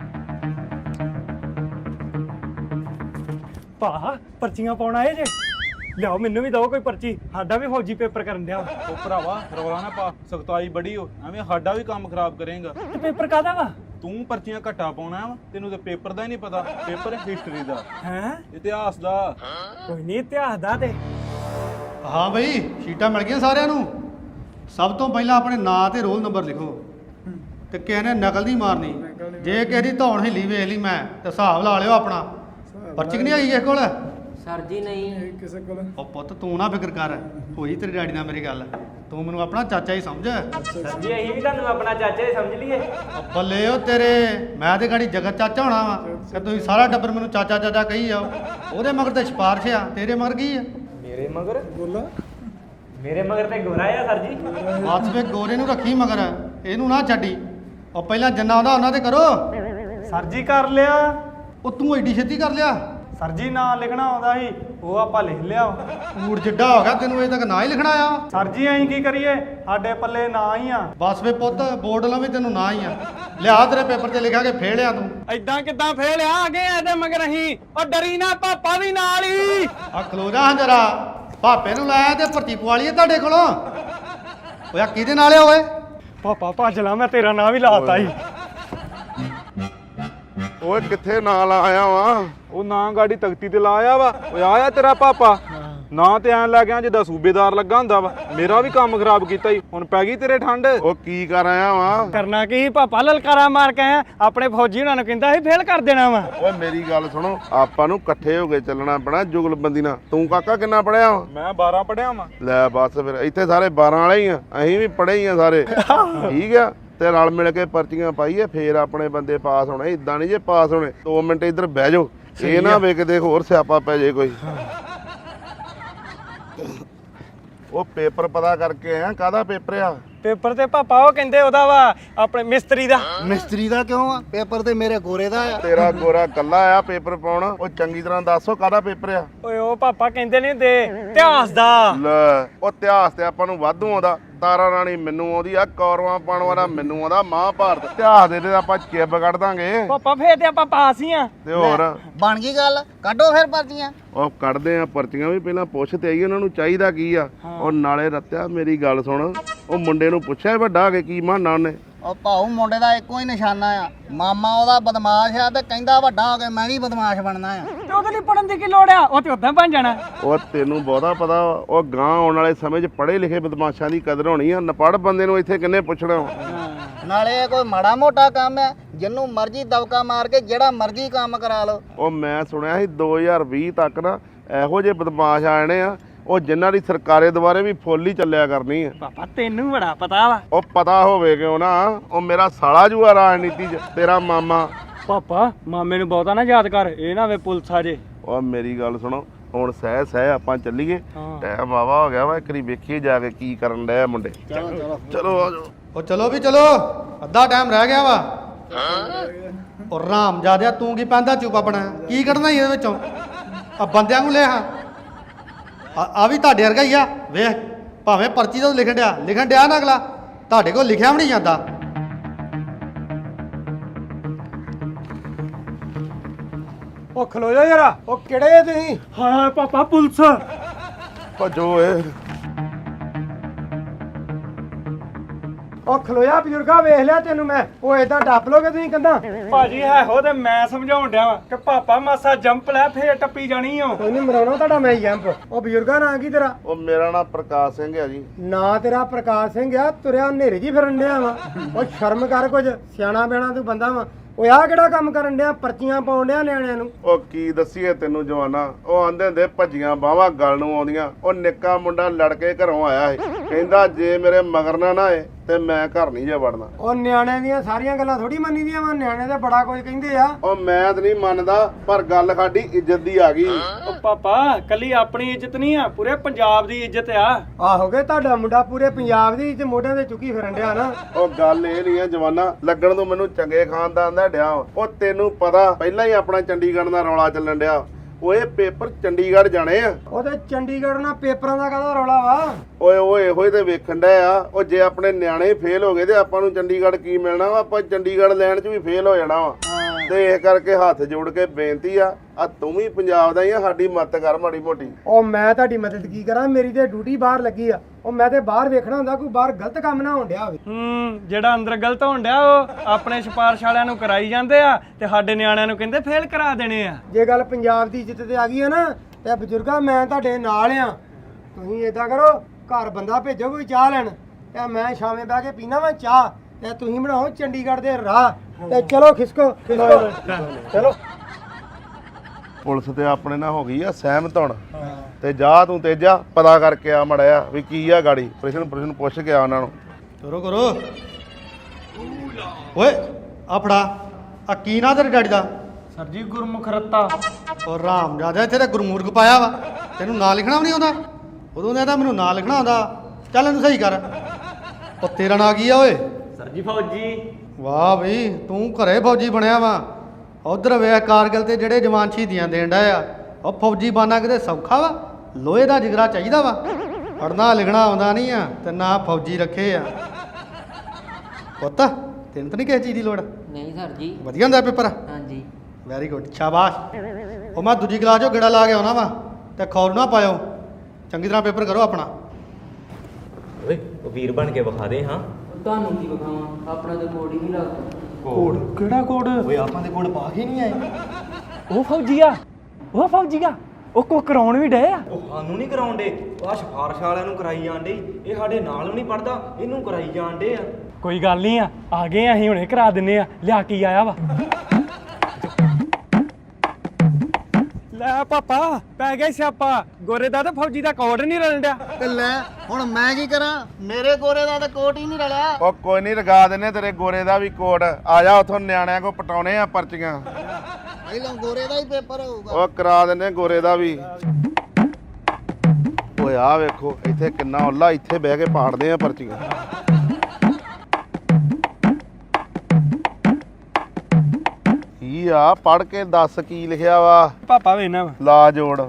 ਭਾ ਪਰਚੀਆਂ ਪਾਉਣ ਆਏ ਜੇ, ਲਿਆਓ ਮੈਨੂੰ ਵੀ ਦਿਓ ਕੋਈ ਪਰਚੀ, ਸਾਡਾ ਵੀ ਫੌਜੀ ਪੇਪਰ ਕਰਨ ਦਿਆ। ਉਹ ਭਰਾਵਾ ਰੌਲਾ ਨਾ ਪਾ, ਸਖਤਾਈ ਬੜੀ ਹੋ, ਐਵੇਂ ਸਾਡਾ ਵੀ ਕੰਮ ਖਰਾਬ ਕਰੇਗਾ। ਤੇ ਪੇਪਰ ਕਾਹਦਾ ਵਾ? ਤੂੰ ਪਰਚੀਆਂ ਘੱਟਾ ਪਾਉਣਾ ਵਾ, ਤੈਨੂੰ ਤੇ ਪੇਪਰ ਦਾ ਹੀ ਨਹੀਂ ਪਤਾ। ਪੇਪਰ ਹੈ ਹਿਸਟਰੀ ਦਾ, ਹੈ ਇਤਿਹਾਸ ਦਾ। ਕੋਈ ਨਹੀਂ ਇਤਿਹਾਸ ਦਾ ਤੇ ਹਾਂ ਬਈ, ਸ਼ੀਟਾਂ ਮਿਲ ਗਈਆਂ ਸਾਰਿਆਂ ਨੂੰ। ਸਭ ਤੋਂ ਪਹਿਲਾਂ ਆਪਣੇ ਨਾਂ ਤੇ ਰੋਲ ਨੰਬਰ ਲਿਖੋ, ਤੇ ਕਿਸੇ ਨੇ ਨਕਲ ਨਹੀਂ ਮਾਰਨੀ। ਜੇ ਕਿਸੇ ਦੀ ਧੌਣ ਹਿੱਲੀ ਵੇਖ ਲਈ ਮੈਂ ਤੇ ਹਿਸਾਬ ਲਾ ਲਿਓ ਆਪਣਾ। ਪਰਚੀ ਨਹੀਂ ਆਈ ਕਿਸੇ ਕੋਲ? ਸਰ ਜੀ ਨਹੀਂ ਕਿਸੇ ਕੋਲ। ਉਹ ਪੁੱਤ ਤੂੰ ਨਾ ਫਿਕਰ ਕਰ, ਹੋਈ ਤੇਰੀ ਡੈਡੀ ਨਾਲ ਮੇਰੀ ਗੱਲ, ਤੂੰ ਮੈਨੂੰ ਆਪਣਾ ਚਾਚਾ ਹੀ ਸਮਝ। ਸਰ ਜੀ ਅਸੀਂ ਵੀ ਤੁਹਾਨੂੰ ਆਪਣਾ ਚਾਚਾ ਹੀ ਸਮਝ ਲਈਏ। ਉਹ ਬੱਲੇ ਉਹ ਤੇਰੇ, ਮੈਂ ਤੇ ਗਾੜੀ ਜਗਤ ਚਾਚਾ ਹੋਣਾ ਵਾ ਕਿ ਤੁਸੀਂ ਸਾਰਾ ਟੱਬਰ ਮੈਨੂੰ ਚਾਚਾ ਚਾਚਾ ਕਹੀ ਜਾਓ। ਉਹਦੇ ਮਗਰ ਤੇ ਸਿਫਾਰਿਸ਼ ਆ, ਤੇਰੇ ਮਗਰ ਕੀ ਆ? ਮੇਰੇ ਮਗਰ ਬੋਲਾ, ਮੇਰੇ ਮਗਰ ਤੇ ਗੋਰਾ ਆ ਸਰ ਜੀ। ਬਸ ਵੇ ਗੋਰੇ ਨੂੰ ਰੱਖੀ ਮਗਰ, ਇਹਨੂੰ ਨਾ ਛੱਡੀ। ਉਹ ਪਹਿਲਾਂ ਜਿੰਨਾ ਆਉਂਦਾ ਉਹਨਾਂ ਤੇ ਕਰੋ। ਸਰ ਜੀ ਕਰ ਲਿਆ। ਉਹ ਤੂੰ ਐਡੀ ਛੇਤੀ ਕਰ ਲਿਆ? ਸਰ ਜੀ ਨਾਂ ਲਿਖਣਾ ਆਉਂਦਾ ਸੀ, ਉਹ ਆਪਾਂ ਲਿਖ ਲਿਆ। ਊੜ ਜਿੱਡਾ ਹੋ ਗਿਆ, ਤੈਨੂੰ ਅਜੇ ਤੱਕ ਨਾਂ ਹੀ ਲਿਖਣਾ ਆ। ਸਰ ਜੀ ਅਸੀਂ ਕੀ ਕਰੀਏ, ਸਾਡੇ ਪੱਲੇ ਨਾਂ ਹੀ ਆ। ਬਸ ਵੇ ਪੁੱਤ, ਬੋਰਡ ਲਾਂ ਵੀ ਤੈਨੂੰ ਨਾਂ ਹੀ ਆ। ਲਿਆ ਤੇਰੇ ਪੇਪਰ ਤੇ ਲਿਖਾਂਗੇ ਫੇਲ ਆ ਤੂੰ। ਐਦਾਂ ਕਿੱਦਾਂ ਫੇਲ ਆ ਗਏ ਇਹਦੇ ਮਗਰ ਅਸੀਂ? ਉਹ ਡਰੀ ਨਾ, ਪਾਪਾ ਵੀ ਨਾਲ ਹੀ। ਆ ਖਲੋ ਜਾ ਹਾਂ ਜਰਾ, ਭਾਪੇ ਨੂੰ ਲਾਇਆ ਤੇ ਭਰਤੀ ਪਵਾ ਲਈਏ ਤੁਹਾਡੇ ਕੋਲੋਂ। ਓਏ ਆ ਕਿਹਦੇ ਨਾਲ ਆ ਓਏ? ਪਾਪਾ ਭੱਜ ਲਾ, ਮੈਂ ਤੇਰਾ ਨਾਂ ਵੀ ਲਾਤਾ ਸੀ। ਓਏ ਕਿੱਥੇ ਨਾਲ ਆਇਆ ਵਾ? ਉਹ ਨਾਂ ਗਾੜੀ ਤਖਤੀ ਤੇ ਲਾਇਆ ਵਾ। ਓਏ ਆਇਆ ਤੇਰਾ ਪਾਪਾ, ਨਾਂ ਤੇ ਐਂ ਲੈ ਗਿਆ ਜਿੱਦਾਂ ਸੂਬੇਦਾਰ ਲੱਗਾ ਹੁੰਦਾ ਵਾ। ਮੇਰਾ ਵੀ ਕੰਮ ਖਰਾਬ ਕੀਤਾ ਈ, ਹੁਣ ਪੈ ਗਈ ਤੇਰੇ ਠੰਡ। ਉਹ ਕੀ ਕਰ ਆਇਆ ਵਾ? ਕਰਨਾ ਕੀ ਪਾਪਾ, ਲਲਕਾਰਾ ਮਾਰ ਕੇ ਆਇਆ। ਆਪਣੇ ਫੌਜੀ ਉਹਨਾਂ ਨੂੰ ਕਹਿੰਦਾ ਸੀ ਫੇਲ ਕਰ ਦੇਣਾ ਵਾ। ਓਏ ਮੇਰੀ ਗੱਲ ਸੁਣੋ, ਆਪਾਂ ਨੂੰ ਇਕੱਠੇ ਹੋ ਕੇ ਚੱਲਣਾ ਪੈਣਾ ਜੁਗਲਬੰਦੀ ਨਾਲ। ਤੂੰ ਕਾਕਾ ਕਿੰਨਾ ਪੜਿਆ ਵਾ? ਮੈਂ ਬਾਰਾਂ ਪੜਿਆ ਵਾਂ। ਲੈ ਬਸ ਫਿਰ, ਇੱਥੇ ਸਾਰੇ ਬਾਰਾਂ ਵਾਲੇ ਹੀ ਆ, ਅਸੀਂ ਵੀ ਪੜੇ ਹੀ ਆ ਸਾਰੇ। ਠੀਕ ਆ, ਤੇ ਰਲ ਮਿਲ ਕੇ ਪਰਚੀਆਂ ਪਾਈਏ, ਫੇਰ ਆਪਣੇ ਬੰਦੇ ਪਾਸ ਹੋਣੇ। ਇਦਾਂ ਨਹੀਂ ਜੇ ਪਾਸ ਹੋਣੇ। ਦੋ ਮਿੰਟ ਇੱਧਰ ਬਹਿ ਜਾਓ, ਇਹ ਨਾ ਵੇਖ ਦੇਖ ਹੋਰ ਸਿਆਪਾ ਪੈ ਜੇ ਕੋਈ। ਉਹ ਪੇਪਰ ਪਤਾ ਕਰਕੇ ਆ, ਕਾਹਦਾ ਪੇਪਰ ਆ? ਪੇਪਰ ਤੇ ਪਾਪਾ ਉਹ ਕਹਿੰਦੇ ਉਹਦਾ ਵਾ, ਆਪਣੇ ਮਿਸਤਰੀ ਦਾ। ਮਿਸਤਰੀ ਦਾ ਕਿਉਂ ਆ? ਪੇਪਰ ਤੇ ਮੇਰੇ ਗੋਰੇ ਦਾ ਆ। ਤੇਰਾ ਗੋਰਾ ਕੱਲਾ ਆ ਪੇਪਰ ਪਾਉਣ। ਉਹ ਚੰਗੀ ਤਰ੍ਹਾਂ ਦੱਸੋ ਕਾਹਦਾ ਪੇਪਰ ਆ? ਓਏ ਉਹ ਪਾਪਾ ਕਹਿੰਦੇ ਨਹੀਂ ਦੇ ਇਤਿਹਾਸ ਦਾ। ਲੈ ਉਹ ਇਤਿਹਾਸ ਤੇ ਆਪਾਂ ਨੂੰ ਵਾਧੂ ਆਉਂਦਾ। ਤਾਰਾ ਰਾਣੀ ਮੈਨੂੰ ਆਉਂਦੀ ਆ, ਕੌਰਵਾਂ ਪਾਉਣ ਵਾਲਾ ਮੈਨੂੰ ਆਉਂਦਾ, ਮਹਾਭਾਰਤ। ਇਤਿਹਾਸ ਦੇ ਤੇ ਆਪਾਂ ਚਿੱਬ ਕੱਢ ਦਾਂਗੇ। ਪਾਪਾ ਫੇਰ ਤੇ ਆਪਾਂ ਪਾਸ ਹੀ ਆ। ਤੇ ਹੋਰ ਬਣ ਗਈ ਗੱਲ, ਕੱਢੋ ਫਿਰ ਪਰਚੀਆਂ। ਉਹ ਕੱਢਦੇ ਆ ਪਰਚੀਆਂ ਵੀ, ਪਹਿਲਾਂ ਪੁੱਛ ਤੇ ਆਈ ਉਹਨਾਂ ਨੂੰ ਚਾਹੀਦਾ ਕੀ ਆ। ਉਹ ਨਾਲੇ ਰੱਤਿਆ ਮੇਰੀ ਗੱਲ ਸੁਣ, ਉਹ ਮੁੰਡੇ ਨੂੰ ਪੁੱਛਿਆ ਵੱਡਾ ਹੋ ਕੇ ਕੀ ਮਾਨਾ ਉਹਨੇ? ਉਹ ਭਾਊ ਮੁੰਡੇ ਦਾ ਇੱਕੋ ਹੀ ਨਿਸ਼ਾਨਾ ਆ, ਮਾਮਾ ਉਹਦਾ ਬਦਮਾਸ਼ ਆ ਤੇ ਕਹਿੰਦਾ ਵੱਡਾ ਹੋ ਕੇ ਮੈਂ ਵੀ ਬਦਮਾਸ਼ ਬਣਨਾ ਆ। ਤੇ ਉਹਦੇ ਲਈ ਪੜਨ ਦੀ ਕੀ ਲੋੜ ਆ, ਉਹ ਤੇ ਉਦਾਂ ਬਣ ਜਾਣਾ। ਉਹ ਤੈਨੂੰ ਬਹੁਤਾ ਪਤਾ ਵਾ, ਉਹ ਗਾਂ ਆਉਣ ਵਾਲੇ ਸਮੇਂ 'ਚ ਪੜ੍ਹੇ ਲਿਖੇ ਬਦਮਾਸ਼ਾਂ ਦੀ ਕਦਰ ਹੋਣੀ ਆ। ਨਪੜ ਬੰਦੇ ਨੂੰ ਇੱਥੇ ਕਿੰਨੇ ਪੁੱਛਣਾ ਵਾ? ਨਾਲੇ ਇਹ ਕੋਈ ਮਾੜਾ ਮੋਟਾ ਕੰਮ ਆ, ਜਿੰਨੂੰ ਮਰਜ਼ੀ ਦਬਕਾ ਮਾਰ ਕੇ ਜਿਹੜਾ ਮਰਜ਼ੀ ਕੰਮ ਕਰਾ ਲਓ। ਉਹ ਮੈਂ ਸੁਣਿਆ ਸੀ ਦੋ ਹਜ਼ਾਰ ਵੀਹ ਤੱਕ ਨਾ ਇਹੋ ਜਿਹੇ ਬਦਮਾਸ਼ ਆ ਜਾਣੇ ਆ, ਉਹ ਜਿਨ੍ਹਾਂ ਦੀ ਸਰਕਾਰੇ ਦੁਆਰੇ ਵੀ ਫੁੱਲ ਹੀ ਚੱਲਿਆ ਕਰਨੀ ਆ। ਪਾਪਾ ਤੈਨੂੰ ਬੜਾ ਪਤਾ ਵਾ। ਉਹ ਪਤਾ ਹੋਵੇ ਕਿਉਂ ਨਾ, ਉਹ ਮੇਰਾ ਸਾਲਾ ਜੂਆ ਰਾਜਨੀਤੀ 'ਚ, ਤੇਰਾ ਮਾਮਾ। ਪਾਪਾ ਮਾਮੇ ਨੂੰ ਬਹੁਤਾ ਨਾ ਯਾਦ ਕਰ, ਇਹ ਨਾ ਵੇ ਪੁਲਿਸ ਆ ਜੇ। ਉਹ ਮੇਰੀ ਗੱਲ ਸੁਣੋ, ਹੁਣ ਸਹਿ ਸਹਿ ਆਪਾਂ ਚੱਲੀਏ। ਟਾਈਮ ਵਾਵਾ ਹੋ ਗਿਆ ਵਾ, ਇੱਕ ਵਾਰੀ ਵੇਖੀਏ ਜਾ ਕੇ ਕੀ ਕਰਨ ਡਿਆ ਮੁੰਡੇ। ਚਲੋ ਚਲੋ ਚਲੋ ਆ ਜਾਓ। ਉਹ ਚਲੋ ਵੀ ਚਲੋ, ਅੱਧਾ ਟਾਈਮ ਰਹਿ ਗਿਆ ਵਾ। ਉਹ ਰਾਮ ਜਾਦਿਆ, ਤੂੰ ਕੀ ਪੈਂਦਾ ਚੁੱਪ ਆਪਣਾ, ਕੀ ਕੱਢਣਾ ਇਹਦੇ ਵਿੱਚੋਂ? ਆ ਬੰਦਿਆਂ ਨੂੰ ਲੈ ਹਾਂ, ਆ ਵੀ ਤੁਹਾਡੇ ਵਰਗਾ ਹੀ ਆ। ਵੇਖ ਭਾਵੇਂ ਪਰਚੀ ਤੋਂ ਲਿਖਣ ਡਿਆ ਲਿਖਣ ਡਿਆ ਨਾ ਅਗਲਾ, ਤੁਹਾਡੇ ਕੋਲ ਲਿਖਿਆ ਵੀ ਨਹੀਂ ਜਾਂਦਾ। ਉਹ ਖਲੋ ਜਾ ਯਾਰਾ, ਉਹ ਕਿਹੜੇ ਤੁਸੀਂ? ਹਾਂ ਪਾਪਾ ਪੁਲਿਸ। ਭੱਜੋ ਏ। ਉਹ ਖਲੋਇਆ ਬਜ਼ੁਰਗਾ, ਵੇਖ ਲਿਆ ਤੈਨੂੰ ਮੈਂ। ਉਹ ਏਦਾਂ ਟੱਪ ਲੋਗੇ ਤੁਸੀਂ ਕੰਦਾ? ਭਾਜੀ ਹੈ ਹੋ ਤੇ ਮੈਂ ਸਮਝਾਉਣ ਡਿਆ ਵਾਂ ਕਿ ਪਾਪਾ ਮਾਸਾ ਜੰਪ ਲੈ, ਫੇਰ ਟੱਪੀ ਜਾਣੀ ਓ। ਕੋਈ ਨਹੀਂ ਮਰਾਉਣਾ ਤੁਹਾਡਾ ਮੈਂ ਜੰਪ। ਉਹ ਬਜ਼ੁਰਗਾ ਨਾਂ ਕੀ ਤੇਰਾ? ਉਹ ਮੇਰਾ ਨਾਮ ਪ੍ਰਕਾਸ਼ ਸਿੰਘ ਆ ਜੀ। ਨਾਂ ਤੇਰਾ ਪ੍ਰਕਾਸ਼ ਸਿੰਘ ਆ, ਤੁਰਿਆ ਹਨੇਰੇ ਜੀ ਫਿਰਨ ਡਿਆ ਵਾ। ਉਹ ਸ਼ਰਮ ਕਰ, ਕੁਝ ਸਿਆਣਾ ਬਿਆਣਾ ਤੂੰ ਬੰਦਾ ਵਾ। ਓਏ ਆ ਕਿਹੜਾ ਕੰਮ ਕਰਨ ਡਿਆ, ਪਰਚੀਆਂ ਪਾਉਣ ਡਿਆ ਨਿਆਣਿਆਂ ਨੂੰ? ਉਹ ਕੀ ਦੱਸੀਏ ਤੈਨੂੰ ਜਵਾਨਾ, ਉਹ ਆਂਦੇ ਹੁੰਦੇ ਭੱਜੀਆਂ ਬਾਹਾਂ ਗਲ ਨੂੰ ਆਉਂਦੀਆਂ। ਉਹ ਨਿੱਕਾ ਮੁੰਡਾ ਲੜ ਕੇ ਘਰੋਂ ਆਇਆ ਸੀ, ਕਹਿੰਦਾ ਜੇ ਮੇਰੇ ਮਗਰ ਨਾ ਨਾ ਏ ਤੇ ਮੈਂ ਘਰ ਨਹੀਂ ਜਾ ਵੜਨਾ। ਉਹ ਨਿਆਣਿਆਂ ਦੀਆਂ ਸਾਰੀਆਂ ਗੱਲਾਂ ਥੋੜੀ ਮੰਨੀ ਦੀਆਂ ਵਾ, ਨਿਆਣੇ ਤੇ ਬੜਾ ਕੁਝ ਕਹਿੰਦੇ ਆ। ਉਹ ਮੈਂ ਤਾਂ ਨਹੀਂ ਮੰਨਦਾ, ਪਰ ਗੱਲ ਸਾਡੀ ਇੱਜ਼ਤ ਦੀ ਆ ਗਈ। ਉਹ ਪਾਪਾ ਕੱਲੀ ਆਪਣੀ ਇੱਜ਼ਤ ਨਹੀਂ ਆ, ਪੂਰੇ ਪੰਜਾਬ ਦੀ ਇੱਜ਼ਤ ਆ। ਆਹੋਗੇ ਤੁਹਾਡਾ ਮੁੰਡਾ ਪੂਰੇ ਪੰਜਾਬ ਦੀ ਇੱਜ਼ਤ ਮੋਢਿਆਂ ਤੇ ਚੁੱਕੀ ਫਿਰਨ ਡਿਆ ਨਾ। ਉਹ ਗੱਲ ਇਹ ਨਹੀਂ ਆ ਜਵਾਨਾ ਲੱਗਣ ਤੋਂ ਮੈਨੂੰ ਚੰਗੇ ਖਾਨਦਾਨ ਦਾ ਡਿਆ। ਉਹ ਤੈਨੂੰ ਪਤਾ ਪਹਿਲਾਂ ਹੀ ਆਪਣਾ ਚੰਡੀਗੜ੍ਹ ਦਾ ਰੌਲਾ ਚੱਲਣ ਡਿਆ। ਓਏ ਪੇਪਰ ਚੰਡੀਗੜ੍ਹ ਜਾਣੇ ਆ। ਉਹ ਤੇ ਚੰਡੀਗੜ੍ਹ ਨਾਲ ਪੇਪਰਾਂ ਦਾ ਕਾਹਦਾ ਰੌਲਾ ਵਾ? ਓਏ ਓਏ ਇਹੋ ਹੀ ਤੇ ਵੇਖਣ ਡਿਆ ਆ। ਉਹ ਜੇ ਆਪਣੇ ਨਿਆਣੇ ਫੇਲ ਹੋ ਗਏ ਤੇ ਆਪਾਂ ਨੂੰ ਚੰਡੀਗੜ੍ਹ ਕੀ ਮਿਲਣਾ ਵਾ? ਆਪਾਂ ਚੰਡੀਗੜ੍ਹ ਲੈਣ 'ਚ ਵੀ ਫੇਲ ਹੋ ਜਾਣਾ ਵਾ। ਤੇ ਇਸ ਕਰਕੇ ਹੱਥ ਜੋੜ ਕੇ ਬੇਨਤੀ ਆ, ਆ ਤੂੰ ਵੀ ਪੰਜਾਬ ਦਾ ਹੀ ਆ, ਸਾਡੀ ਮਦਦ ਕਰ ਮਾੜੀ ਮੋਟੀ। ਉਹ ਮੈਂ ਤੁਹਾਡੀ ਮਦਦ ਕੀ ਕਰਾਂ, ਮੇਰੀ ਤੇ ਡਿਊਟੀ ਬਾਹਰ ਲੱਗੀ ਆ। ਉਹ ਮੈਂ ਤੇ ਬਾਹਰ ਵੇਖਣਾ ਹੁੰਦਾ ਕੋਈ ਬਾਹਰ ਗਲਤ ਕੰਮ ਨਾ ਹੋਣ ਡਿਆ ਹੋਵੇ। ਹੂੰ ਜਿਹੜਾ ਅੰਦਰ ਗਲਤ ਹੋਣ ਡਿਆ ਉਹ ਆਪਣੇ ਸਿਫਾਰਿਸ਼ ਵਾਲਿਆਂ ਨੂੰ ਕਰਾਈ ਜਾਂਦੇ ਆ ਤੇ ਸਾਡੇ ਨਿਆਣਿਆਂ ਨੂੰ ਕਹਿੰਦੇ ਫੇਲ ਕਰਾ ਦੇਣੇ ਆ। ਜੇ ਗੱਲ ਪੰਜਾਬ ਦੀ ਇੱਜ਼ਤ ਤੇ ਆ ਗਈ ਹੈ ਨਾ ਤੇ ਬਜ਼ੁਰਗਾ ਮੈਂ ਤੁਹਾਡੇ ਨਾਲ ਆ। ਤੁਸੀਂ ਏਦਾਂ ਕਰੋ, ਘਰ ਬੰਦਾ ਭੇਜੋ ਕੋਈ ਚਾਹ ਲੈਣ ਤੇ ਮੈਂ ਸ਼ਾਮੇ ਬਹਿ ਕੇ ਪੀਣਾ ਵਾ ਚਾਹ, ਤੇ ਤੁਸੀਂ ਬਣਾਓ ਚੰਡੀਗੜ੍ਹ ਦੇ ਰਾਹ ਤੇ ਚਲੋ ਖਿਸਕੋ ਖਿਸਕੋ ਚਲੋ। ਪੁਲਿਸ ਤੇ ਆਪਣੇ ਨਾਲ ਹੋ ਗਈ ਆ ਸਹਿਮਤ ਹੁਣ। ਤੇ ਜਾ ਤੂੰ ਤੇਜਾ ਪਤਾ ਕਰਕੇ ਆ ਮੜਿਆ ਵੀ ਕੀ ਆ ਗਾੜੀ। ਪ੍ਰਸ਼ਨ ਪ੍ਰਸ਼ਨ ਪੁੱਛ ਕੇ ਆ ਉਹਨਾਂ ਨੂੰ। ਕਰੋ ਕਰੋ। ਓਏ ਆ ਫੜਾ, ਆ ਕੀ ਨਾਂ ਤੇਰੇ ਡੈਡੀ ਦਾ? ਸਰ ਜੀ ਗੁਰਮੁਖ ਰੱਤਾ। ਉਹ ਰਾਮ ਜਿਆਦਾ ਇੱਥੇ ਤਾਂ ਗੁਰਮੂਰਖ ਪਾਇਆ ਵਾ। ਤੈਨੂੰ ਨਾਂ ਲਿਖਣਾ ਵੀ ਨਹੀਂ ਆਉਂਦਾ? ਉਦੋਂ ਦਾ ਤਾਂ ਮੈਨੂੰ ਨਾਂ ਲਿਖਣਾ ਆਉਂਦਾ। ਚੱਲ ਇਹਨੂੰ ਸਹੀ ਕਰ। ਉਹ ਤੇਰਾ ਨਾਂ ਕੀ ਆ ਓਏ? ਸਰ ਜੀ ਫੌਜੀ। ਵਾਹ ਬਈ ਤੂੰ ਘਰੇ ਫੌਜੀ ਬਣਿਆ ਵਾ। ਉਧਰ ਵੇਖ ਕਾਰਗਿਲ ਤੇ ਜਿਹੜੇ ਜਵਾਨ ਸ਼ਹੀਦੀਆਂ ਦੇਣ ਡਏ ਆ। ਉਹ ਫੌਜੀ ਬਾਨਾ ਕਿਤੇ ਸੌਖਾ ਵਾ? ਲੋਹੇ ਦਾ ਜਿਗਰਾ ਚਾਹੀਦਾ ਵਾ। ਪੜ੍ਹਨਾ ਲਿਖਣਾ ਆਉਂਦਾ ਨਹੀਂ ਆ ਤੇ ਨਾ ਫੌਜੀ ਰੱਖੇ ਆ। ਪੁੱਤ ਤੈਨੂੰ ਤਾਂ ਨਹੀਂ ਕਿਸੇ ਚੀਜ਼ ਦੀ ਲੋੜ? ਨਹੀਂ ਸਰ ਜੀ। ਵਧੀਆ ਹੁੰਦਾ ਪੇਪਰ? ਹਾਂਜੀ। ਵੈਰੀ ਗੁੱਡ ਸ਼ਾਬਾਸ਼। ਉਹ ਮੈਂ ਦੂਜੀ ਕਲਾਸ 'ਚੋਂ ਗੇੜਾ ਲਾ ਕੇ ਆਉਣਾ ਵਾ ਤੇ ਖੌਰ ਨਾ ਪਾਇਓ। ਚੰਗੀ ਤਰ੍ਹਾਂ ਪੇਪਰ ਕਰੋ ਆਪਣਾ। ਓਏ ਉਹ ਵੀਰ ਬਣ ਕੇ ਵਿਖਾ ਦੇ। ਹਾਂ ਤੁਹਾਨੂੰ ਕੀ ਵਿਖਾਵਾਂ, ਆਪਣਾ ਤਾਂ ਕੋਡ ਹੀ ਨਹੀਂ ਲੱਗਦਾ। ਕੋਡ ਕਿਹੜਾ ਕੋਡ? ਓਏ ਆਪਾਂ ਦੇ ਕੋਲ ਪਾ ਕੇ ਨਹੀਂ ਆਏ। ਉਹ ਫੌਜੀ ਆ, ਉਹ ਫੌਜੀ ਆ। ਉਹ ਕੋ ਕਰਾਉਣ ਵੀ ਡਏ ਆ। ਉਹ ਸਾਨੂੰ ਨਹੀਂ ਕਰਾਉਂਦੇ, ਆਹ ਸਿਫਾਰਿਸ਼ ਵਾਲਿਆਂ ਨੂੰ ਕਰਾਈ ਜਾਂਦੇ। ਇਹ ਸਾਡੇ ਨਾਲ ਵੀ ਨਹੀਂ ਪੜਦਾ, ਇਹਨੂੰ ਕਰਾਈ ਜਾਂਦੇ ਆ। ਕੋਈ ਗੱਲ ਨਹੀਂ ਆ, ਆ ਗਏ ਆ ਅਸੀਂ ਹੁਣੇ ਕਰਾ ਦਿੰਨੇ ਆ। ਲਿਆ ਕੀ ਆਇਆ ਵਾ? ਲੈ ਪਾਪਾ ਪੈ ਗਿਆ ਸਿਆਪਾ। ਗੋਰੇ ਦਾ ਤੇ ਫੌਜੀ ਦਾ ਕੋਡ ਨਹੀਂ ਰਲਣ ਡਿਆ। ਤੇ ਲੈ ਹੁਣ ਮੈਂ ਕੀ ਕਰਾਂ? ਮੇਰੇ ਗੋਰੇ ਦਾ ਤਾਂ ਕੋਟ ਹੀ ਨਹੀਂ ਰਲਿਆ। ਉਹ ਕੋਈ ਨਹੀਂ ਲਗਾ ਦਿੰਨੇ ਤੇਰੇ ਗੋਰੇ ਦਾ ਵੀ ਕੋਡ। ਆ ਜਾ ਉਥੋਂ ਨਿਆਣਿਆਂ ਕੋ ਪਟਾਉਣੇ ਆ ਪਰਚੀਆਂ। ਪਹਿਲਾਂ ਗੋਰੇ ਦਾ ਹੀ ਪੇਪਰ ਹੋਊਗਾ। ਉਹ ਕਰਾ ਦਿੰਨੇ ਗੋਰੇ ਦਾ ਵੀ। ਓਏ ਆ ਵੇਖੋ ਇੱਥੇ ਕਿੰਨਾ ਉੱਲਾ, ਇੱਥੇ ਬਹਿ ਕੇ ਪਾੜਦੇ ਆ ਪਰਚੀਆਂ। ਕੀ ਆ ਪੜ ਕੇ ਦੱਸ ਕੀ ਲਿਖਿਆ ਵਾ? ਪਾਪਾ ਵੇਨਾ ਵਾ। ਲਾ ਜੋੜ।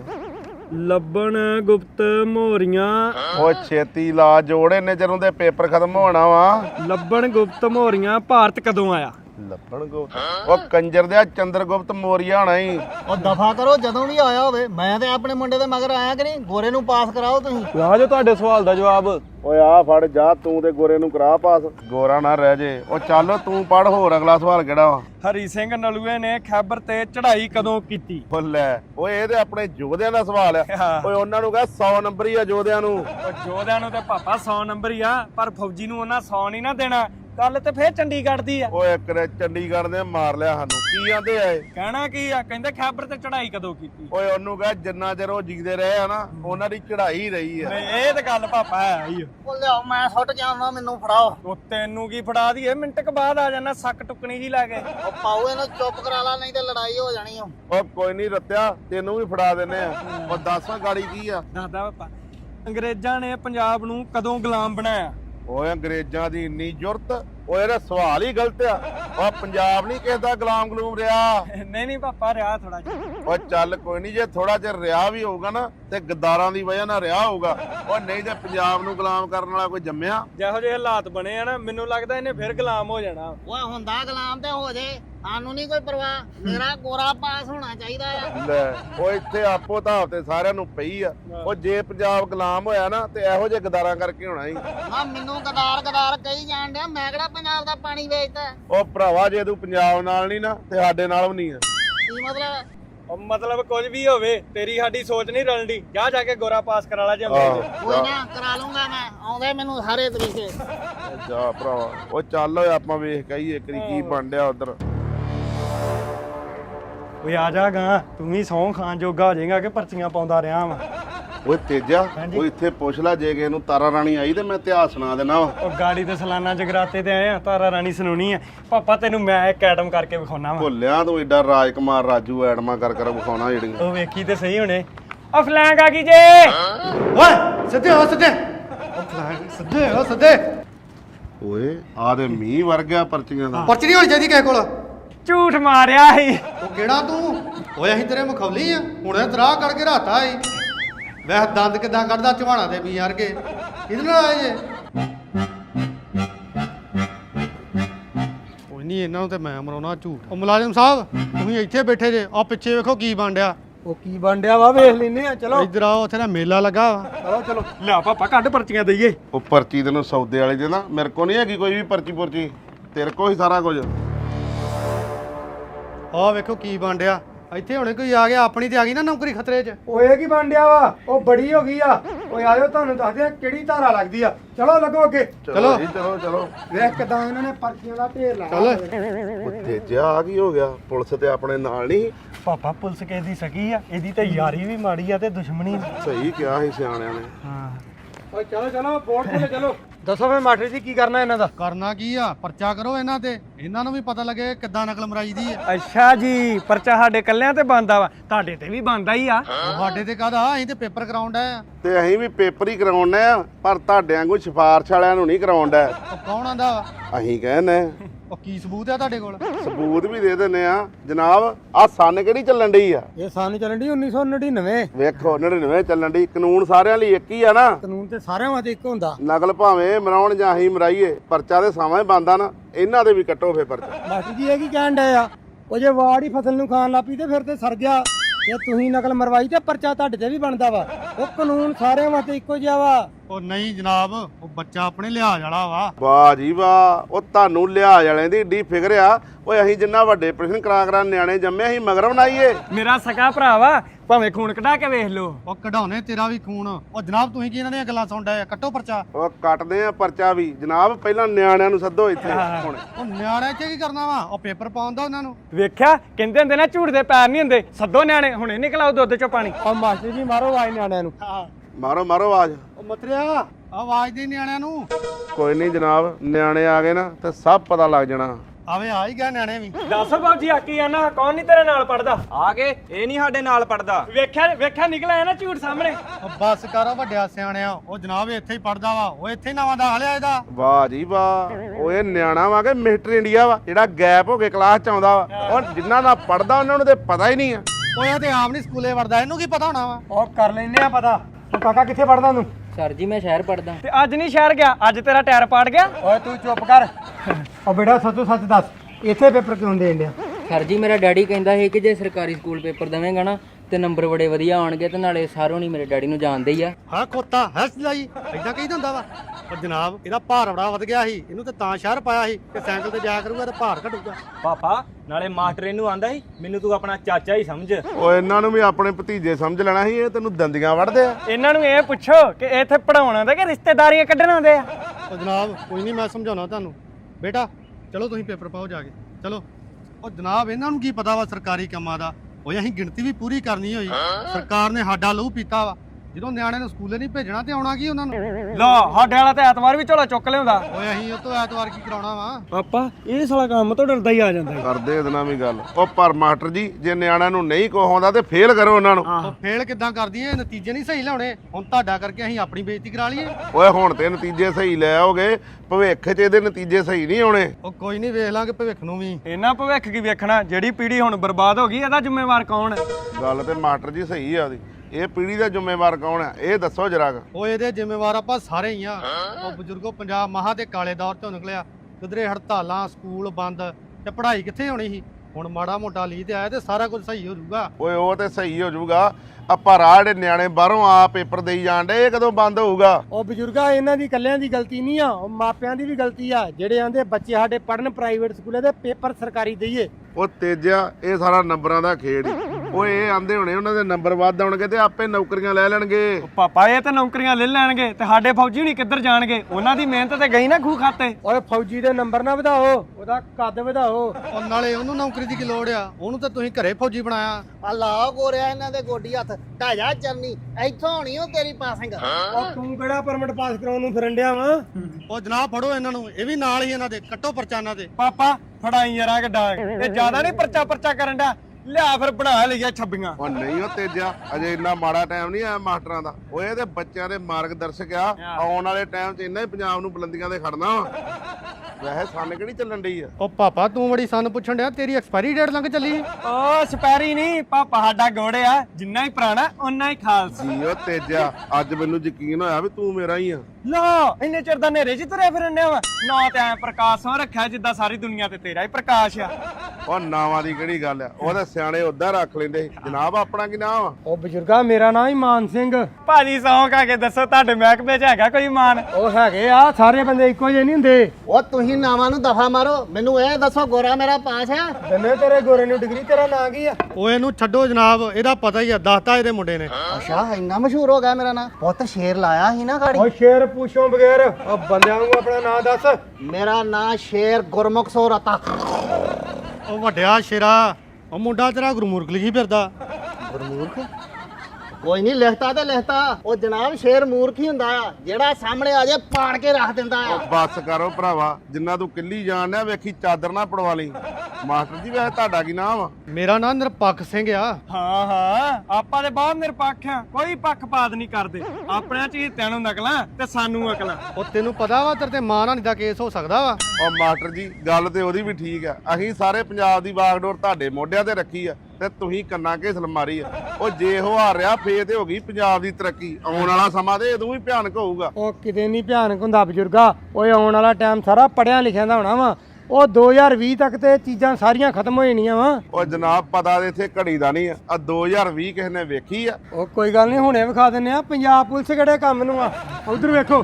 ਲੱਭਣ ਗੁਪਤ ਮੋਰੀਆਂ। ਓ ਛੇਤੀ ਲਾ ਜੋੜ, ਇੰਨੇ ਚਿਰ ਦੇ ਪੇਪਰ ਖਤਮ ਹੋਣਾ ਵਾ। ਲੱਭਣ ਗੁਪਤ ਮੋਰੀਆਂ ਭਾਰਤ ਕਦੋਂ ਆਇਆ? ਲੱਭਣ ਗੁਪਤ ਉਹ ਕੰਜਰ ਦੇ ਚੰਦਰਗੁਪਤ ਮੌਰੀਆ ਹੋਣਾ ਹੀ। ਉਹ ਦਫਾ ਕਰੋ, ਜਦੋਂ ਵੀ ਆਇਆ ਹੋਵੇ। ਮੈਂ ਤੇ ਆਪਣੇ ਮੁੰਡੇ ਦੇ ਮਗਰ ਆਇਆ ਕਿ ਨਹੀਂ? ਗੋਰੇ ਨੂੰ ਪਾਸ ਕਰਾਓ ਤੁਸੀਂ। ਆ ਜੋ ਤੁਹਾਡੇ ਸਵਾਲ ਦਾ ਜਵਾਬ। ਓਏ ਆ ਫੜ ਜਾ, ਤੂੰ ਤੇ ਗੋਰੇ ਨੂੰ ਕਰਾ ਪਾਸ। ਗੋਰਾ ਨਾ ਰਹਿ ਜੇ। ਉਹ ਚੱਲ ਤੂੰ ਪੜ, ਹੋਰ ਅਗਲਾ ਸਵਾਲ ਕਿਹੜਾ ਵਾ? ਹਰੀ ਸਿੰਘ ਨਲੂਏ ਨੇ ਖੈਬਰ ਤੇ ਚੜ੍ਹਾਈ ਕਦੋਂ ਕੀਤੀ? ਓ ਲੈ, ਓਏ ਇਹ ਤੇ ਆਪਣੇ ਯੋਧਿਆਂ ਦਾ ਸਵਾਲ ਆ। ਓਏ ਉਹਨਾਂ ਨੂੰ ਕਹ ਸੌ ਨੰਬਰ ਹੀ ਆ ਯੋਧਿਆਂ ਨੂੰ। ਉਹ ਯੋਧਿਆਂ ਨੂੰ ਤੇ ਪਾਪਾ ਸੌ ਨੰਬਰ ਹੀ ਆ, ਪਰ ਫੌਜੀ ਨੂੰ ਉਹਨਾਂ ਸੌ ਨਹੀਂ ਨਾ ਦੇਣਾ। ਗੱਲ ਤੇ ਫੇਰ ਚੰਡੀਗੜ੍ਹ ਦੀ ਆ। ਓਏ ਇੱਕ ਚੰਡੀਗੜ੍ਹ ਨੇ ਮਾਰ ਲਿਆ ਸਾਨੂੰ। ਕੀ ਆਂਦੇ ਆ ਇਹ? ਕਹਿਣਾ ਕੀ ਆ? ਕਹਿੰਦੇ ਖੈਬਰ ਤੇ ਚੜ੍ਹਾਈ ਕਦੋਂ ਕੀਤੀ? ਓਏ ਉਹਨੂੰ ਕਹ ਜਿੰਨਾ ਚਿਰ ਉਹ ਜਿਗਦੇ ਰਹੇ ਆ ਨਾ, ਉਹਨਾਂ ਦੀ ਚੜ੍ਹਾਈ ਰਹੀ ਆ। ਨਹੀਂ ਇਹ ਤੇ ਗੱਲ ਪਾਪਾ ਹੈ ਹੀ। ਉਹ ਲਿਆਓ, ਮੈਂ ਸੁੱਟ ਜਾਣਾ, ਮੈਨੂੰ ਫੜਾਓ। ਉਹ ਤੈਨੂੰ ਕੀ ਫੜਾ ਦਈਏ? ਮਿੰਟ ਕ ਬਾਅਦ ਆ ਜਾਣਾ ਸੱਕ ਟੁਕਣੀ ਜੀ ਲੈ ਕੇ। ਉਹ ਪਾਓ ਇਹਨੂੰ, ਚੁੱਪ ਕਰਾ ਲਾ, ਨਹੀਂ ਤੇ ਲੜਾਈ ਹੋ ਜਾਣੀ ਓ। ਓ ਕੋਈ ਨਹੀਂ ਰੱਤਿਆ, ਤੈਨੂੰ ਵੀ ਫੜਾ ਦਿੰਨੇ ਆ। ਉਹ ਦੱਸ ਗਾੜੀ ਕੀ ਆ? ਦੱਸਦਾ ਪਾਪਾ। ਅੰਗਰੇਜ਼ਾਂ ਨੇ ਪੰਜਾਬ ਨੂੰ ਕਦੋਂ ਗੁਲਾਮ ਬਣਾਇਆ? ਓਏ ਅੰਗਰੇਜ਼ਾਂ ਦੀ ਇੰਨੀ ਜ਼ੁਰਤ? ਓਏ ਇਹਦਾ ਸਵਾਲ ਹੀ ਗਲਤ ਆ। ਉਹ ਪੰਜਾਬ ਨਹੀਂ ਕਿਸੇ ਦਾ ਗੁਲਾਮ ਗਲੂਮ ਰਿਹਾ। ਨਹੀਂ ਨਹੀਂ ਪਾਪਾ, ਰਿਹਾ ਥੋੜਾ ਜਿਹਾ। ਓ ਚੱਲ ਕੋਈ ਨਹੀਂ, ਜੇ ਥੋੜਾ ਚਿਰ ਰਿਹਾ ਵੀ ਹੋਊਗਾ ਨਾ ਤੇ ਗੱਦਾਰਾਂ ਦੀ ਵਜ੍ਹਾ ਨਾਲ ਰਿਹਾ ਹੋਊਗਾ। ਓ ਨਹੀਂ ਤੇ ਪੰਜਾਬ ਨੂੰ ਗੁਲਾਮ ਕਰਨ ਵਾਲਾ ਕੋਈ ਜੰਮਿਆ? ਜਿਹੋ ਜਿਹੇ ਹਾਲਾਤ ਬਣੇ ਆ ਨਾ, ਮੈਨੂੰ ਲੱਗਦਾ ਇਹਨੇ ਫਿਰ ਗੁਲਾਮ ਹੋ ਜਾਣਾ। ਓਏ ਹੁੰਦਾ ਗੁਲਾਮ ਤੇ ਹੋ ਜੇ, ਸਾਨੂੰ ਨਹੀਂ ਕੋਈ ਪਰਵਾਹ। ਮੇਰਾ ਗੋਰਾ ਪਾਸ ਹੋਣਾ ਚਾਹੀਦਾ ਆ। ਲੈ ਓ ਇੱਥੇ ਆਪੋ ਤਾਂ ਤੇ ਸਾਰਿਆਂ ਨੂੰ ਪਈ ਆ। ਓ ਜੇ ਪੰਜਾਬ ਗੁਲਾਮ ਹੋਇਆ ਨਾ ਤੇ ਇਹੋ ਜਿਹੇ ਗੱਦਾਰਾਂ ਕਰਕੇ ਹੋਣਾ ਹੀ। ਆ ਮੈਨੂੰ ਗਦਾਰ ਗਦਾਰ ਕਹੀ ਜਾਣ ਡਿਆ, ਮੈਂ ਕਿਹੜਾ ਪੰਜਾਬ ਦਾ ਪਾਣੀ ਵੇਚਦਾ? ਓ ਭਰਾਵਾ, ਜੇ ਤੂੰ ਪੰਜਾਬ ਨਾਲ ਨਹੀਂ ਨਾ ਤੇ ਸਾਡੇ ਨਾਲ ਵੀ ਨਹੀਂ ਆ। ਕੀ ਮਤਲਬ? ਉਹ ਮਤਲਬ ਕੁਝ ਵੀ ਹੋਵੇ, ਤੇਰੀ ਸਾਡੀ ਸੋਚ ਨਹੀਂ ਰਲਦੀ। ਜਾ ਜਾ ਕੇ ਗੋਰਾ ਪਾਸ ਕਰਾ ਲਾ ਜੇ ਆਹੋ, ਕੋਈ ਨਾ, ਕਰਾ ਲੂੰਗਾ ਮੈਂ। ਆਉਂਦੇ ਮੈਨੂੰ ਸਾਰੇ ਤਰੀਕੇ। ਜਾ ਭਰਾਵਾ। ਓ ਚੱਲ ਓਏ ਆਪਾਂ ਵੇਖ ਕੇ ਆਈਏ ਇੱਕ ਕੀ ਬਣ ਡਿਆ ਉਧਰ। ਓਏ ਆ ਜਾ ਗਾ, ਤੂੰ ਵੀ ਸੌਂ ਖਾਣ ਜੋਗਾ ਹੋ ਜਾਏਗਾ ਕਿ ਪਰਚੀਆਂ ਪਾਉਂਦਾ ਰਿਹਾ ਵਾ। ਓਏ ਤੇਜਾ ਉਹ ਇੱਥੇ ਪੁੱਛ ਲੈ ਜੇ ਕਿਸੇ ਨੂੰ ਤਾਰਾ ਰਾਣੀ ਆਈ ਤੇ ਮੈਂ ਇਤਿਹਾਸ ਸੁਣਾ ਦੇਣਾ ਵਾ। ਉਹ ਗਾੜੀ ਤੇ ਸਲਾਨਾ ਜਗਰਾਤੇ ਤੇ ਆਏ ਆ, ਤਾਰਾ ਰਾਣੀ ਸੁਣਾਉਣੀ ਆ। ਪਾਪਾ ਤੈਨੂੰ ਮੈਂ ਇੱਕ ਐਟਮ ਕਰਕੇ ਵਿਖਾਉਣਾ ਵਾ। ਭੁੱਲਿਆ ਤੂੰ ਏਡਾ ਰਾਜਕੁਮਾਰ ਰਾਜੂ ਐਡਮਾ ਕਰ ਕਰ ਵਿਖਾਉਣਾ ਜਿਹੜੀਆਂ। ਉਹ ਵੇਖੀ ਤੇ ਸਹੀ ਹੁਣੇ। ਉਹ ਫਲੈਂਗ ਆ ਗਈ ਜੇ। ਓਏ ਸਿੱਧੇ ਹੋ ਸਿੱਧੇ ਉਹ ਫਲਾਣ ਸਿੱਧੇ ਹੋ ਸਿੱਧੇ। ਓਏ ਆ ਤੇ ਮੀਂਹ ਵਰ ਗਿਆ ਪਰਚੀਆਂ ਦਾ। ਪਰਚੀ ਨਹੀਂ ਹੋਣੀ ਚਾਹੀਦੀ ਕਿਸੇ ਕੋਲ। ਝੂਠ ਮਾਰਿਆ ਸੀ। ਉਹ ਕਿਹੜਾ ਤੂੰ ਓਏ ਅਸੀਂ ਤੇਰੇ ਮਖੌਲੀ ਆ ਹੁਣੇ ਤਰਾਹ ਕਰਕੇ ਰਾਤਾ ਈ। ਵੈਸੇ ਦੰਦ ਕਿਦਾਂ ਕੱਢਦਾ ਝਵਾਣਾ ਦੇ ਵੀ ਯਾਰ ਕੇ ਕਿਹਦੇ ਨਾਲ ਆਏ ਜੇ। ਕੋਈ ਨਹੀਂ ਇਹਨਾਂ ਨੂੰ ਤੇ ਮੈਂ ਮਰਾਉਣਾ ਝੂਠ। ਉਹ ਮੁਲਾਜ਼ਮ ਸਾਹਿਬ ਤੁਸੀਂ ਇੱਥੇ ਬੈਠੇ ਜੇ ਆ ਪਿੱਛੇ ਵੇਖੋ ਕੀ ਬਣ ਡਿਆ। ਉਹ ਕੀ ਬਣ ਡਿਆ ਵਾ ਵੇਖ ਲੈਨੇ ਆ ਚਲੋ। ਇੱਧਰ ਆਓ ਉੱਥੇ ਨਾ ਮੇਲਾ ਲੱਗਾ ਵਾ। ਚਲੋ ਚਲੋ ਲਿਆ ਪਾਪਾ ਕੱਢ ਪਰਚੀਆਂ ਦਈਏ। ਉਹ ਪਰਚੀ ਤੈਨੂੰ ਸੌਦੇ ਵਾਲੀ ਦੇ ਨਾ ਮੇਰੇ ਕੋ ਨਹੀਂ ਹੈਗੀ ਕੋਈ ਵੀ ਪਰਚੀ ਪੁਰਚੀ, ਤੇਰੇ ਕੋ ਹੀ ਸਾਰਾ ਕੁਝ। ਆਹ ਵੇਖੋ ਕੀ ਬਣ ਡਿਆ। ਇੱਥੇ ਹੁਣੇ ਕੋਈ ਆ ਗਿਆ ਆਪਣੀ ਤੇ ਆ ਗਈ ਨਾ ਨੌਕਰੀ ਖਤਰੇ 'ਚ। ਓਏ ਕੀ ਬਣ ਡਿਆ ਵਾ? ਉਹ ਬੜੀ ਹੋ ਗਈ ਆ। ਓਏ ਆਇਓ ਤੁਹਾਨੂੰ ਦੱਸਦੇ ਆ ਕਿਹੜੀ ਧਾਰਾ ਲੱਗਦੀ ਆ। ਚਲੋ ਲੱਗੋ ਅੱਗੇ। ਚਲੋ। ਜੀ ਚਲੋ ਚਲੋ। ਵੇਖ ਕਿਦਾਂ ਇਹਨਾਂ ਨੇ ਪਰਚੀਆਂ ਦਾ ਢੇਰ ਲਾਇਆ। ਉਹ ਤੇਜਾ ਆ ਕੀ ਹੋ ਗਿਆ? ਪੁਲਿਸ ਤੇ ਆਪਣੇ ਨਾਲ ਨਹੀਂ। ਪਾਪਾ ਪੁਲਿਸ ਕਿਸੇ ਦੀ ਸਕੀ ਆ, ਇਹਦੀ ਤੇ ਯਾਰੀ ਵੀ ਮਾੜੀ ਆ ਤੇ ਦੁਸ਼ਮਣੀ ਵੀ। ਸਹੀ ਕਿਹਾ ਸੀ ਸਿਆਣਿਆਂ ਨੇ। ਹਾਂ ਓਏ ਚਲੋ ਚਲੋ ਬੋਰਡ ਤੇ ਚਲੋ। ਦੱਸੋ ਫੇ ਮਾਸਟਰ ਜੀ ਕੀ ਕਰਨਾ ਇਹਨਾਂ ਦਾ? ਕਰਨਾ ਕੀ ਆ ਪਰਚਾ ਕਰੋ ਇਹਨਾਂ ਤੇ, ਇਹਨਾਂ ਨੂੰ ਵੀ ਪਤਾ ਲੱਗੇ ਕਿੱਦਾਂ ਨਕਲ ਮਰਾਈ ਦੀ ਆ। ਅੱਛਾ ਜੀ, ਪਰਚਾ ਸਾਡੇ ਕੱਲਿਆਂ ਤੇ ਬੰਦਾ ਵਾ, ਤੁਹਾਡੇ ਤੇ ਵੀ ਬੰਦਾ ਹੀ ਆ। ਸਾਡੇ ਤੇ ਕਾਹਦਾ ਅਸੀਂ ਤੇ ਪੇਪਰ ਕਰਾਉਣ ਡਏ ਆ। ਤੇ ਅਸੀਂ ਵੀ ਪੇਪਰ ਹੀ ਕਰਾਉਣੇ ਆ, ਪਰ ਤੁਹਾਡੇ ਵਾਂਗੂ ਸਿਫਾਰਸ਼ ਵਾਲਿਆਂ ਨੂੰ ਨਹੀਂ ਕਰਾਉਣ ਡੈ। ਉਹ ਕੌਣ ਆਂਦਾ ਵਾ? ਅਸੀਂ ਕਹਿੰਦੇ ਉਹ ਕੀ ਸਬੂਤ ਆ ਤੁਹਾਡੇ ਕੋਲ? ਸਬੂਤ ਵੀ ਦੇ ਦਿੰਨੇ ਆ ਜਨਾਬ। ਆ ਸੰਨ ਕਿਹੜੀ ਚੱਲਣ ਡਈ ਆ? ਇਹ ਸਾਨੂੰ ਚੱਲਣ ਦੀ ਉੱਨੀ ਸੌ ਨੜਿਨਵੇਂ। ਵੇਖੋ ਨੜਿਨਵੇਂ ਚੱਲਣ ਡਈ। ਕਾਨੂੰਨ ਸਾਰਿਆਂ ਲਈ ਇੱਕ ਹੀ ਆ ਨਾ। ਕਾਨੂੰਨ ਤੇ ਸਾਰਿਆਂ ਵਾਸਤੇ ਇੱਕ ਹੁੰਦਾ। ਨਕਲ ਭਾਵੇਂ ਮਰਾਉਣ ਜਾਂ ਅਸੀਂ ਮਰਾਈਏ, ਪਰਚਾ ਦੇ ਸਾਵਾਂ ਹੀ ਬੰਦਾ ਨਾ। ਇਹਨਾਂ ਦੇ ਵੀ ਕੱਟੋ ਫੇ ਪਰਚਾ। ਮਾਸਟਰ ਜੀ ਇਹ ਕੀ ਕਹਿਣ ਡਏ ਆ? ਉਹ ਜੇ ਵਾੜ ਹੀ ਫਸਲ ਨੂੰ ਖਾਣ ਲੱਪੀ ਤੇ ਫਿਰ ਤੇ ਸਰ ਗਿਆ। ਜੇ ਤੁਸੀਂ ਨਕਲ ਮਰਵਾਈ ਤੇ ਪਰਚਾ ਤੁਹਾਡੇ ਤੇ ਵੀ ਬਣਦਾ ਵਾ। ਉਹ ਕਾਨੂੰਨ ਸਾਰਿਆਂ ਵਾਸਤੇ ਇੱਕੋ ਜਿਹਾ ਵਾ। ਉਹ ਨਹੀਂ ਜਨਾਬ, ਉਹ ਬੱਚਾ ਆਪਣੇ ਲਿਹਾਜ਼ ਵਾਲਾ ਵਾ। ਵਾਹ ਜੀ ਵਾਹ, ਉਹ ਤੁਹਾਨੂੰ ਲਿਹਾਜ਼ ਵਾਲਿਆਂ ਦੀ ਏਡੀ ਫਿਕਰ ਆ। ਓਏ ਅਸੀਂ ਜਿੰਨਾ ਵੱਡੇ ਪ੍ਰਸ਼ਨ ਕਰਾ ਕਰਾ ਨਿਆਣੇ ਜੰਮੇ, ਅਸੀਂ ਮਗਰ ਬਣਾਈਏ। ਮੇਰਾ ਸਕਾ ਭਰਾ ਵਾ, ਭਾਵੇਂ ਖੂਨ ਕਢਾ ਕੇ ਵੇਖ ਲਓ। ਉਹ ਕਢਾਉਣੇ ਤੇਰਾ ਵੀ ਖੂਨ। ਉਹ ਜਨਾਬ ਤੁਸੀਂ ਕੀ ਇਹਨਾਂ ਦੀਆਂ ਗੱਲਾਂ ਸੁਣ ਡਏ ਆ? ਕੱਟੋ ਪਰਚਾ। ਉਹ ਕੱਟਦੇ ਆ ਪਰਚਾ ਵੀ ਜਨਾਬ। ਪਹਿਲਾਂ ਨਿਆਣਿਆਂ ਨੂੰ ਸੱਦੋ ਇੱਥੇ ਹੁਣ। ਉਹ ਨਿਆਣੇ 'ਚ ਕੀ ਕਰਨਾ ਵਾ? ਉਹ ਪੇਪਰ ਪਾਉਣ ਦਾ ਉਹਨਾਂ ਨੂੰ। ਵੇਖਿਆ, ਕਹਿੰਦੇ ਹੁੰਦੇ ਨਾ ਝੂਠ ਦੇ ਪੈਰ ਨਹੀਂ ਹੁੰਦੇ। ਸੱਦੋ ਨਿਆਣੇ, ਹੁਣੇ ਨਿਕਲਾਓ ਦੁੱਧ ਚੋਂ ਪਾਣੀ। ਉਹ ਮਾਸਟਰ ਜੀ ਮਾਰੋ ਆਏ ਨਿਆਣਿਆਂ ਨੂੰ। ਮਾਰੋ ਮਾਰੋ ਆਵਾਜ਼। ਉਹ ਮਤਰਿਆ ਆਵਾਜ਼ ਦੇ ਨਿਆਣਿਆਂ ਨੂੰ। ਕੋਈ ਨਹੀਂ ਜਨਾਬ, ਨਿਆਣੇ ਆ ਗਏ ਨਾ ਤੇ ਸਭ ਪਤਾ ਲੱਗ ਜਾਣਾ। ਆਵੇ ਆ ਹੀ ਗਿਆ ਨਿਆਣੇ ਵੀ। ਦੱਸ ਬਾਬਜੀ ਆਕੀ ਆਣਾ, ਕੌਣ ਨਹੀਂ ਤੇਰੇ ਨਾਲ ਪੜਦਾ? ਆ ਕੇ ਇਹ ਨਹੀਂ ਸਾਡੇ ਨਾਲ ਪੜਦਾ। ਵੇਖਿਆ ਵੇਖਿਆ ਨਿਕਲ ਆਇਆ ਨਾ ਝੂਠ ਸਾਹਮਣੇ। ਉਹ ਬੱਸ ਕਰ ਵੱਡਿਆ ਸਿਆਣਿਆ। ਉਹ ਜਨਾਬ ਇੱਥੇ ਹੀ ਪੜਦਾ ਵਾ। ਉਹ ਇੱਥੇ ਨਵਾਂ ਦਾ ਹਲਿਆ ਇਹਦਾ। ਵਾਹ ਜੀ ਵਾਹ, ਓਏ ਨਿਆਣਾ ਵਾ ਕਿ ਮਿਸਟਰ ਇੰਡੀਆ ਵਾ ਜਿਹੜਾ ਗੈਪ ਹੋ ਕੇ ਕਲਾਸ ਚ ਆਉਂਦਾ ਵਾ। ਔਰ ਜਿਨ੍ਹਾਂ ਦਾ ਪੜਦਾ ਉਹਨਾਂ ਨੂੰ ਤੇ ਪਤਾ ਹੀ ਨਹੀਂ ਆ। ਓਏ ਇਹ ਤੇ ਆਮ ਨਹੀਂ ਸਕੂਲੇ ਵੜਦਾ, ਇਹਨੂੰ ਕੀ ਪਤਾ ਹੋਣਾ ਵਾ? ਉਹ ਕਰ ਲੈਨੇ ਆ ਪਤਾ। ਉਹ ਕਾਕਾ ਕਿੱਥੇ ਪੜਦਾ ਤੂੰ? ਸਰ ਜੀ ਮੈਂ ਸ਼ਹਿਰ ਪੜਦਾ। ਤੇ ਅੱਜ ਨਹੀਂ ਸ਼ਹਿਰ ਗਿਆ, ਅੱਜ ਤੇਰਾ ਟਾਇਰ ਪਾੜ ਗਿਆ। ਓਏ ਤੂੰ ਚੁੱਪ ਕਰ। ਉਹ ਬੇਟਾ ਸੱਚੋ ਸੱਚ ਦੱਸ, ਇੱਥੇ ਪੇਪਰ ਕਿਉਂ ਦੇਣ ਡਿਆ? ਸਰ ਜੀ ਮੇਰਾ ਡੈਡੀ ਕਹਿੰਦਾ ਸੀ ਕਿ ਜੇ ਸਰਕਾਰੀ ਸਕੂਲ ਪੇਪਰ ਦੇਵੇਂਗਾ ਨਾ ਤੇ ਨੰਬਰ ਬੜੇ ਵਧੀਆ ਆਉਣਗੇ ਤੇ ਨਾਲੇ ਸਾਰੋਂ ਨਹੀਂ ਮੇਰੇ ਡੈਡੀ ਨੂੰ ਜਾਣਦੇ ਹੀ ਆ। ਹਾਂ ਖੋਤਾ ਹੈ ਸਲਾਈ ਏਦਾਂ ਕਹੀ ਹੁੰਦਾ ਵਾ। ਉਹ ਜਨਾਬ ਇਹਦਾ ਭਾਰ ਬੜਾ ਵਧ ਗਿਆ ਸੀ, ਇਹਨੂੰ ਤੇ ਤਾਂ ਸ਼ਹਿਰ ਪਾਇਆ ਸੀ ਕਿ ਸਾਈਕਲ ਤੇ ਜਾਇਆ ਕਰੂਗਾ ਤੇ ਭਾਰ ਘਟੂਗਾ। ਪਾਪਾ ਨਾਲੇ ਮਾਸਟਰ ਇਹਨੂੰ ਆਂਦਾ ਸੀ ਮੈਨੂੰ ਤੂੰ ਆਪਣਾ ਚਾਚਾ ਹੀ ਸਮਝ। ਓਏ ਇਹਨਾਂ ਨੂੰ ਵੀ ਆਪਣੇ ਭਤੀਜੇ ਸਮਝ ਲੈਣਾ ਸੀ। ਇਹ ਤੈਨੂੰ ਦੰਦੀਆਂ ਵੜਦੇ ਆ। ਇਹਨਾਂ ਨੂੰ ਇਹ ਪੁੱਛੋ ਕਿ ਇੱਥੇ ਪੜਾਉਣ ਆਉਂਦੇ ਕਿ ਰਿਸ਼ਤੇਦਾਰੀਆਂ ਕੱਢਣ ਆਉਂਦੇ ਆ। ਉਹ ਜਨਾਬ ਕੋਈ ਨਹੀਂ, ਮੈਂ ਸਮਝਾਉਣਾ ਤੁਹਾਨੂੰ। ਬੇਟਾ ਚਲੋ ਤੁਸੀਂ ਪੇਪਰ ਪਾਓ ਜਾ ਕੇ, ਚਲੋ। ਉਹ ਜਨਾਬ ਇਹਨਾਂ ਨੂੰ ਕੀ ਪਤਾ ਵਾ ਸਰਕਾਰੀ ਕੰਮਾਂ ਦਾ? ਓਏ ਅਸੀਂ ਗਿਣਤੀ ਵੀ ਪੂਰੀ ਕਰਨੀ ਹੋਈ। ਸਰਕਾਰ ਨੇ ਸਾਡਾ ਲਹੂ ਪੀਤਾ ਵਾ। ਜਦੋਂ ਨਿਆਣੇ ਨੂੰ ਸਕੂਲੇ ਨਹੀਂ ਭੇਜਣਾ ਤੇ ਆਉਣਾ ਕੀ ਉਹਨਾਂ ਨੂੰ? ਲੋ ਸਾਡੇ ਵਾਲਾ ਤੇ ਐਤਵਾਰ ਵੀ ਝੋਲਾ ਚੁੱਕ ਲਿਆਉਂਦਾ। ਓਏ ਅਸੀਂ ਉਹ ਤੋਂ ਐਤਵਾਰ ਕੀ ਕਰਾਉਣਾ ਵਾ? ਪਾਪਾ ਇਹ ਸਾਲਾ ਕੰਮ ਤੋਂ ਡਰਦਾ ਹੀ ਆ ਜਾਂਦਾ। ਕਰਦੇ ਇਹਦੇ ਨਾਲ ਵੀ ਗੱਲ। ਉਹ ਪਰ ਮਾਸਟਰ ਜੀ ਜੇ ਨਿਆਣਿਆਂ ਨੂੰ ਨਹੀਂ ਕੋ ਆਉਂਦਾ ਤੇ ਫੇਲ ਕਰੋ ਉਹਨਾਂ ਨੂੰ। ਉਹ ਫੇਲ ਕਿੱਦਾਂ ਕਰਦੀ ਏ? ਨਤੀਜੇ ਨਹੀਂ ਸਹੀ ਲਾਉਣੇ। ਹੁਣ ਤੁਹਾਡਾ ਕਰਕੇ ਅਸੀਂ ਆਪਣੀ ਬੇਇੱਜ਼ਤੀ ਕਰਾ ਲਈਏ? ਓਏ ਹੁਣ ਤੇ ਨਤੀਜੇ ਸਹੀ ਲੈ ਆਓਗੇ, ਭਵਿੱਖ 'ਚ ਇਹਦੇ ਨਤੀਜੇ ਸਹੀ ਨਹੀਂ ਆਉਣੇ। ਉਹ ਕੋਈ ਨਹੀਂ, ਵੇਖ ਲਾਂਗੇ ਭਵਿੱਖ ਨੂੰ ਵੀ। ਇਹਨਾਂ ਭਵਿੱਖ ਕੀ ਵੇਖਣਾ? ਜਿਹੜੀ ਪੀੜ੍ਹੀ ਹੁਣ ਬਰਬਾਦ ਹੋ ਗਈ ਇਹਦਾ ਜ਼ਿੰਮੇਵਾਰ ਕੌਣ ਹੈ? ਗੱਲ ਤੇ ਮਾਸਟਰ ਜੀ ਸਹੀ ਆ ਉਹਦੀ। ਇਹ ਪੀੜ੍ਹੀ ਦਾ ਜ਼ਿੰਮੇਵਾਰ ਕੌਣ ਆ ਇਹ ਦੱਸੋ ਜਰਾ। ਉਹ ਇਹਦੇ ਜ਼ਿੰਮੇਵਾਰ ਆਪਾਂ ਸਾਰੇ ਹੀ ਆ। ਉਹ ਬਜ਼ੁਰਗੋ ਪੰਜਾਬ ਮਹਾਂ ਦੇ ਕਾਲੇ ਦੌਰ ਤੋਂ ਨਿਕਲਿਆ। ਕਿਧਰੇ ਹੜਤਾਲਾਂ, ਸਕੂਲ ਬੰਦ ਤੇ ਪੜ੍ਹਾਈ ਕਿੱਥੇ ਹੋਣੀ ਸੀ? ਹੁਣ ਮਾੜਾ ਮੋਟਾ ਲੀ ਤੇ ਆਇਆ ਤੇ ਸਾਰਾ ਕੁਝ ਸਹੀ ਹੋ ਜਾਊਗਾ। ਓਏ ਉਹ ਤੇ ਸਹੀ ਹੋ ਜਾਊਗਾ। ਆਪਾਂ ਰਾਹ ਜਿਹੜੇ ਨਿਆਣੇ ਬਾਹਰੋਂ ਆ ਪੇਪਰ ਦੇਈ ਜਾਣ ਡੇ, ਇਹ ਕਦੋਂ ਬੰਦ ਹੋਊਗਾ? ਉਹ ਬਜ਼ੁਰਗਾ ਇਹਨਾਂ ਦੀ ਇਕੱਲਿਆਂ ਦੀ ਗਲਤੀ ਨਹੀਂ ਆ, ਉਹ ਮਾਪਿਆਂ ਦੀ ਵੀ ਗਲਤੀ ਆ ਜਿਹੜੇ ਆਂਦੇ ਬੱਚੇ ਸਾਡੇ ਪੜਨ ਪ੍ਰਾਈਵੇਟ ਸਕੂਲੇ ਦੇ ਪੇਪਰ ਸਰਕਾਰੀ ਦਈਏ। ਉਹ ਤੇਜਿਆ ਇਹ ਸਾਰਾ ਨੰਬਰਾਂ ਦਾ ਖੇਡ ਹੀ। ਓਏ ਇਹ ਆਂਦੇ ਹੋਣੇ ਉਹਨਾਂ ਦੇ ਨੰਬਰ ਵੱਧ ਆਉਣਗੇ ਤੇ ਆਪੇ ਨੌਕਰੀਆਂ ਲੈ ਲੈਣਗੇ। ਉਹ ਪਾਪਾ ਇਹ ਤੇ ਨੌਕਰੀਆਂ ਲੈ ਲੈਣਗੇ ਤੇ ਸਾਡੇ ਫੌਜੀ ਹੁਣੀ ਕਿੱਧਰ ਜਾਣਗੇ? ਉਹਨਾਂ ਦੀ ਮਿਹਨਤ ਤੇ ਗਈ ਨਾ ਖੂਹ ਖਾਤੇ। ਓਏ ਫੌਜੀ ਦੇ ਨੰਬਰ ਨਾ ਵਧਾਓ, ਉਹਦਾ ਕੱਦ ਵਧਾਓ। ਉਹ ਨਾਲੇ ਉਹਨੂੰ ਨੌਕਰੀ ਦੀ ਕੀ ਲੋੜ ਆ? ਉਹਨੂੰ ਤਾਂ ਤੁਸੀਂ ਘਰੇ ਫੌਜੀ ਬਣਾਇਆ। ਆ ਲਾ ਗੋਰਿਆ ਇਹਨਾਂ ਦੇ ਗੋਡੀ ਹੱਥ ਢਾਜਾ ਚਰਨੀ ਇੱਥੋਂ ਹੋਣੀ ਉਹ ਤੇਰੀ ਪਾਸਿੰਗ। ਉਹ ਤੂੰ ਕਿਹੜਾ ਪਰਮਿਟ ਪਾਸ ਕਰਾਉਣ ਨੂੰ ਫਿਰਨ ਡਿਆ ਵਾ? ਉਹ ਜਨਾਬ ਫੜੋ ਇਹਨਾਂ ਨੂੰ, ਇਹ ਵੀ ਨਾਲ ਹੀ ਇਹਨਾਂ ਦੇ ਕੱਟੋ ਪਰਚਾਨਾਂ ਤੇ। ਪਾਪਾ ਫੜਾਈ ਯਾਰਾਂ ਗੱਡਾ ਇਹ ਜ਼ਿਆਦਾ ਨਹੀਂ ਪਰਚਾ ਪਰਚਾ ਕਰਨ ਦਾ। ਲਿਆ ਫਿਰ ਬਣਾ ਲਈਆ ਛੱਬੀਆਂ। ਉਹ ਨਹੀਂ ਉਹ ਤੇਜਾ ਅਜੇ ਇੰਨਾ ਮਾੜਾ ਟਾਈਮ ਨਹੀਂ ਆਇਆ ਮਾਸਟਰਾਂ ਦਾ। ਓਏ ਤੇ ਬੱਚਿਆਂ ਦੇ ਮਾਰਗਦਰਸ਼ਕ ਆ, ਆਉਣ ਵਾਲੇ ਟਾਈਮ 'ਚ ਇੰਨਾ ਹੀ ਪੰਜਾਬ ਨੂੰ ਬੁਲੰਦੀਆਂ ਤੇ ਖੜਨਾ ਵਾ। ਵੈਸੇ ਸੰਨ ਕਿਹੜੀ ਚੱਲਣ ਡਈ ਆ? ਉਹ ਪਾਪਾ ਤੂੰ ਬੜੀ ਸਾਨੂੰ ਪੁੱਛਣ ਡਿਆ, ਤੇਰੀ ਐਕਸਪਾਇਰੀ ਡੇਟ ਲੰਘ ਚੱਲੀ। ਓ ਸਪੈਰੀ ਨਹੀਂ ਪਾਪਾ, ਸਾਡਾ ਗੋੜੇ ਆ, ਜਿੰਨਾ ਹੀ ਪੁਰਾਣਾ ਓਨਾ ਹੀ ਖਾਲਸਾ। ਜੀ ਉਹ ਤੇਜਾ ਅੱਜ ਮੈਨੂੰ ਯਕੀਨ ਹੋਇਆ ਵੀ ਤੂੰ ਮੇਰਾ ਹੀ ਆ। ਲੋ ਇੰਨੇ ਚਿਰ ਦਾ ਨੇਰੇ 'ਚ ਤੁਰੇ ਫਿਰਨੇ ਵਾ ਨਾ ਤੇ ਐ ਪ੍ਰਕਾਸ਼ ਸੋ ਰੱਖਿਆ ਜਿੱਦਾਂ ਸਾਰੀ ਦੁਨੀਆ ਤੇ ਤੇਰਾ ਹੀ ਪ੍ਰਕਾਸ਼ ਆ। ਉਹ ਨਾਵਾਂ ਦੀ ਕਿਹੜੀ ਗੱਲ ਆ, ਉਹਦੇ ਸਿਆਣੇ ਉਦਾਂ ਰੱਖ ਲੈਂਦੇ ਸੀ। ਜਨਾਬ ਆਪਣਾ ਕੀ ਨਾਮ ਆ? ਉਹ ਬਜ਼ੁਰਗਾ ਮੇਰਾ ਨਾਂ ਹੀ ਮਾਨ ਸਿੰਘ। ਭਾਜੀ ਸੌਂ ਕਾ ਕੇ ਦੱਸੋ ਤੁਹਾਡੇ ਮਹਿਕਮੇ 'ਚ ਹੈਗਾ ਕੋਈ ਮਾਨ? ਉਹ ਹੈਗੇ ਆ, ਸਾਰੇ ਬੰਦੇ ਇੱਕੋ ਜਿਹੇ ਨਹੀਂ ਹੁੰਦੇ। ਉਹ ਤੁਸੀਂ ਨਾਵਾਂ ਨੂੰ ਦਫਾ ਮਾਰੋ, ਮੈਨੂੰ ਇਹ ਦੱਸੋ ਗੋਰਾ ਮੇਰਾ ਪਾਸ ਆ? ਦਿਨੇ ਤੇਰੇ ਗੋਰੇ ਨੂੰ ਡਿਗਰੀ, ਤੇਰਾ ਨਾਂ ਕੀ ਆ? ਉਹ ਇਹਨੂੰ ਛੱਡੋ ਜਨਾਬ, ਇਹਦਾ ਪਤਾ ਹੀ ਆ, ਦੱਸਤਾ ਇਹਦੇ ਮੁੰਡੇ ਨੇ। ਅੱਛਾ ਇੰਨਾ ਮਸ਼ਹੂਰ ਹੋ ਗਿਆ ਮੇਰਾ ਨਾਂ। ਪੁੱਤ ਸ਼ੇਰ ਲਾਇਆ ਸੀ ਨਾ ਗਾੜੀ। ਉਹ ਸ਼ੇਰ ਪੁੱਛੋਂ ਬਗੈਰ ਉਹ ਬੰਦਿਆਂ ਨੂੰ ਆਪਣਾ ਨਾਂ ਦੱਸ। ਮੇਰਾ ਨਾਂ ਸ਼ੇਰ ਗੁਰਮੁਖ ਸੋ ਰਤਾ। ਉਹ ਵੱਡਿਆ ਸ਼ੇਰਾ, ਉਹ ਮੁੰਡਾ ਤੇਰਾ ਗੁਰਮੁਰਖ ਲਿਖੀ ਫਿਰਦਾ। ਗੁਰਮੂਰਖ ਕੋਈ ਨਹੀਂ, ਲਿਖਤਾ ਤੇ ਲਿਖਤਾ। ਉਹ ਜਨਾਬ ਸ਼ੇਰ ਮੂਰਖ ਹੀ ਹੁੰਦਾ ਆ, ਜਿਹੜਾ ਸਾਹਮਣੇ ਆ ਜਾਏ ਪਾੜ ਕੇ ਰੱਖ ਦਿੰਦਾ ਆ। ਉਹ ਬੱਸ ਕਰੋ ਭਰਾਵਾ, ਜਿੰਨਾ ਤੂੰ ਕਿੱਲੀ ਜਾਣਦਾ ਵੇਖੀ ਚਾਦਰ ਨਾ ਪੜਵਾ ਲਈ। ਮਾਸਟਰ ਜੀ ਵੈਸੇ ਤੁਹਾਡਾ ਕੀ ਨਾਮ ਆ? ਮੇਰਾ ਨਾਂ ਨਿਰਪੱਖ ਸਿੰਘ ਆ। ਹਾਂ ਹਾਂ ਆਪਾਂ ਤੇ ਬਹੁਤ ਨਿਰਪੱਖ ਆ, ਕੋਈ ਪੱਖਪਾਤ ਨਹੀਂ ਕਰਦੇ। ਆਪਣਿਆਂ ਚ ਹੀ ਤੈਨੂੰ ਨਕਲਾਂ ਤੇ ਸਾਨੂੰ ਅਕਲਾਂ। ਉਹ ਤੈਨੂੰ ਪਤਾ ਵਾ ਤੇਰੇ ਤੇ ਮਾਂ ਨਾਲ ਦਾ ਕੇਸ ਹੋ ਸਕਦਾ ਵਾ। ਉਹ ਮਾਸਟਰ ਜੀ ਗੱਲ ਤੇ ਉਹਦੀ ਵੀ ਠੀਕ ਆ। ਅਸੀਂ ਸਾਰੇ ਪੰਜਾਬ ਦੀ ਬਾਗਡੋਰ ਤੁਹਾਡੇ ਮੋਢਿਆਂ ਤੇ ਰੱਖੀ ਆ ਤੇ ਤੁਸੀਂ ਕੰਨਾਂ ਕੇ ਸਲਮਾਰੀ ਆ। ਉਹ ਜੇ ਉਹ ਹਾਰ ਰਿਹਾ ਫੇਰ ਤੇ ਹੋ ਗਈ ਪੰਜਾਬ ਦੀ ਤਰੱਕੀ। ਆਉਣ ਵਾਲਾ ਸਮਾਂ ਤੇ ਇਦੋਂ ਵੀ ਭਿਆਨਕ ਹੋਊਗਾ। ਉਹ ਕਿਤੇ ਨਹੀਂ ਭਿਆਨਕ ਹੁੰਦਾ ਬਜ਼ੁਰਗਾ। ਓਏ ਆਉਣ ਵਾਲਾ ਟਾਈਮ ਸਾਰਾ ਪੜਿਆ ਲਿਖਿਆ ਦਾ ਹੋਣਾ ਵਾ। ਉਹ ਦੋ ਹਜ਼ਾਰ ਵੀਹ ਤੱਕ ਤੇ ਚੀਜ਼ਾਂ ਸਾਰੀਆਂ ਖਤਮ ਹੋ ਜਾਣੀਆਂ ਵਾ। ਉਹ ਜਨਾਬ ਪਤਾ ਤੇ ਇੱਥੇ ਘੜੀ ਦਾ ਨਹੀਂ ਆ, ਆ ਦੋ ਹਜ਼ਾਰ ਵੀਹ ਕਿਸੇ ਨੇ ਵੇਖੀ ਆ? ਉਹ ਕੋਈ ਗੱਲ ਨਹੀਂ, ਹੁਣੇ ਵਿਖਾ ਦਿੰਨੇ ਆ। ਪੰਜਾਬ ਪੁਲਿਸ ਕਿਹੜੇ ਕੰਮ ਨੂੰ ਆ, ਉਧਰ ਵੇਖੋ।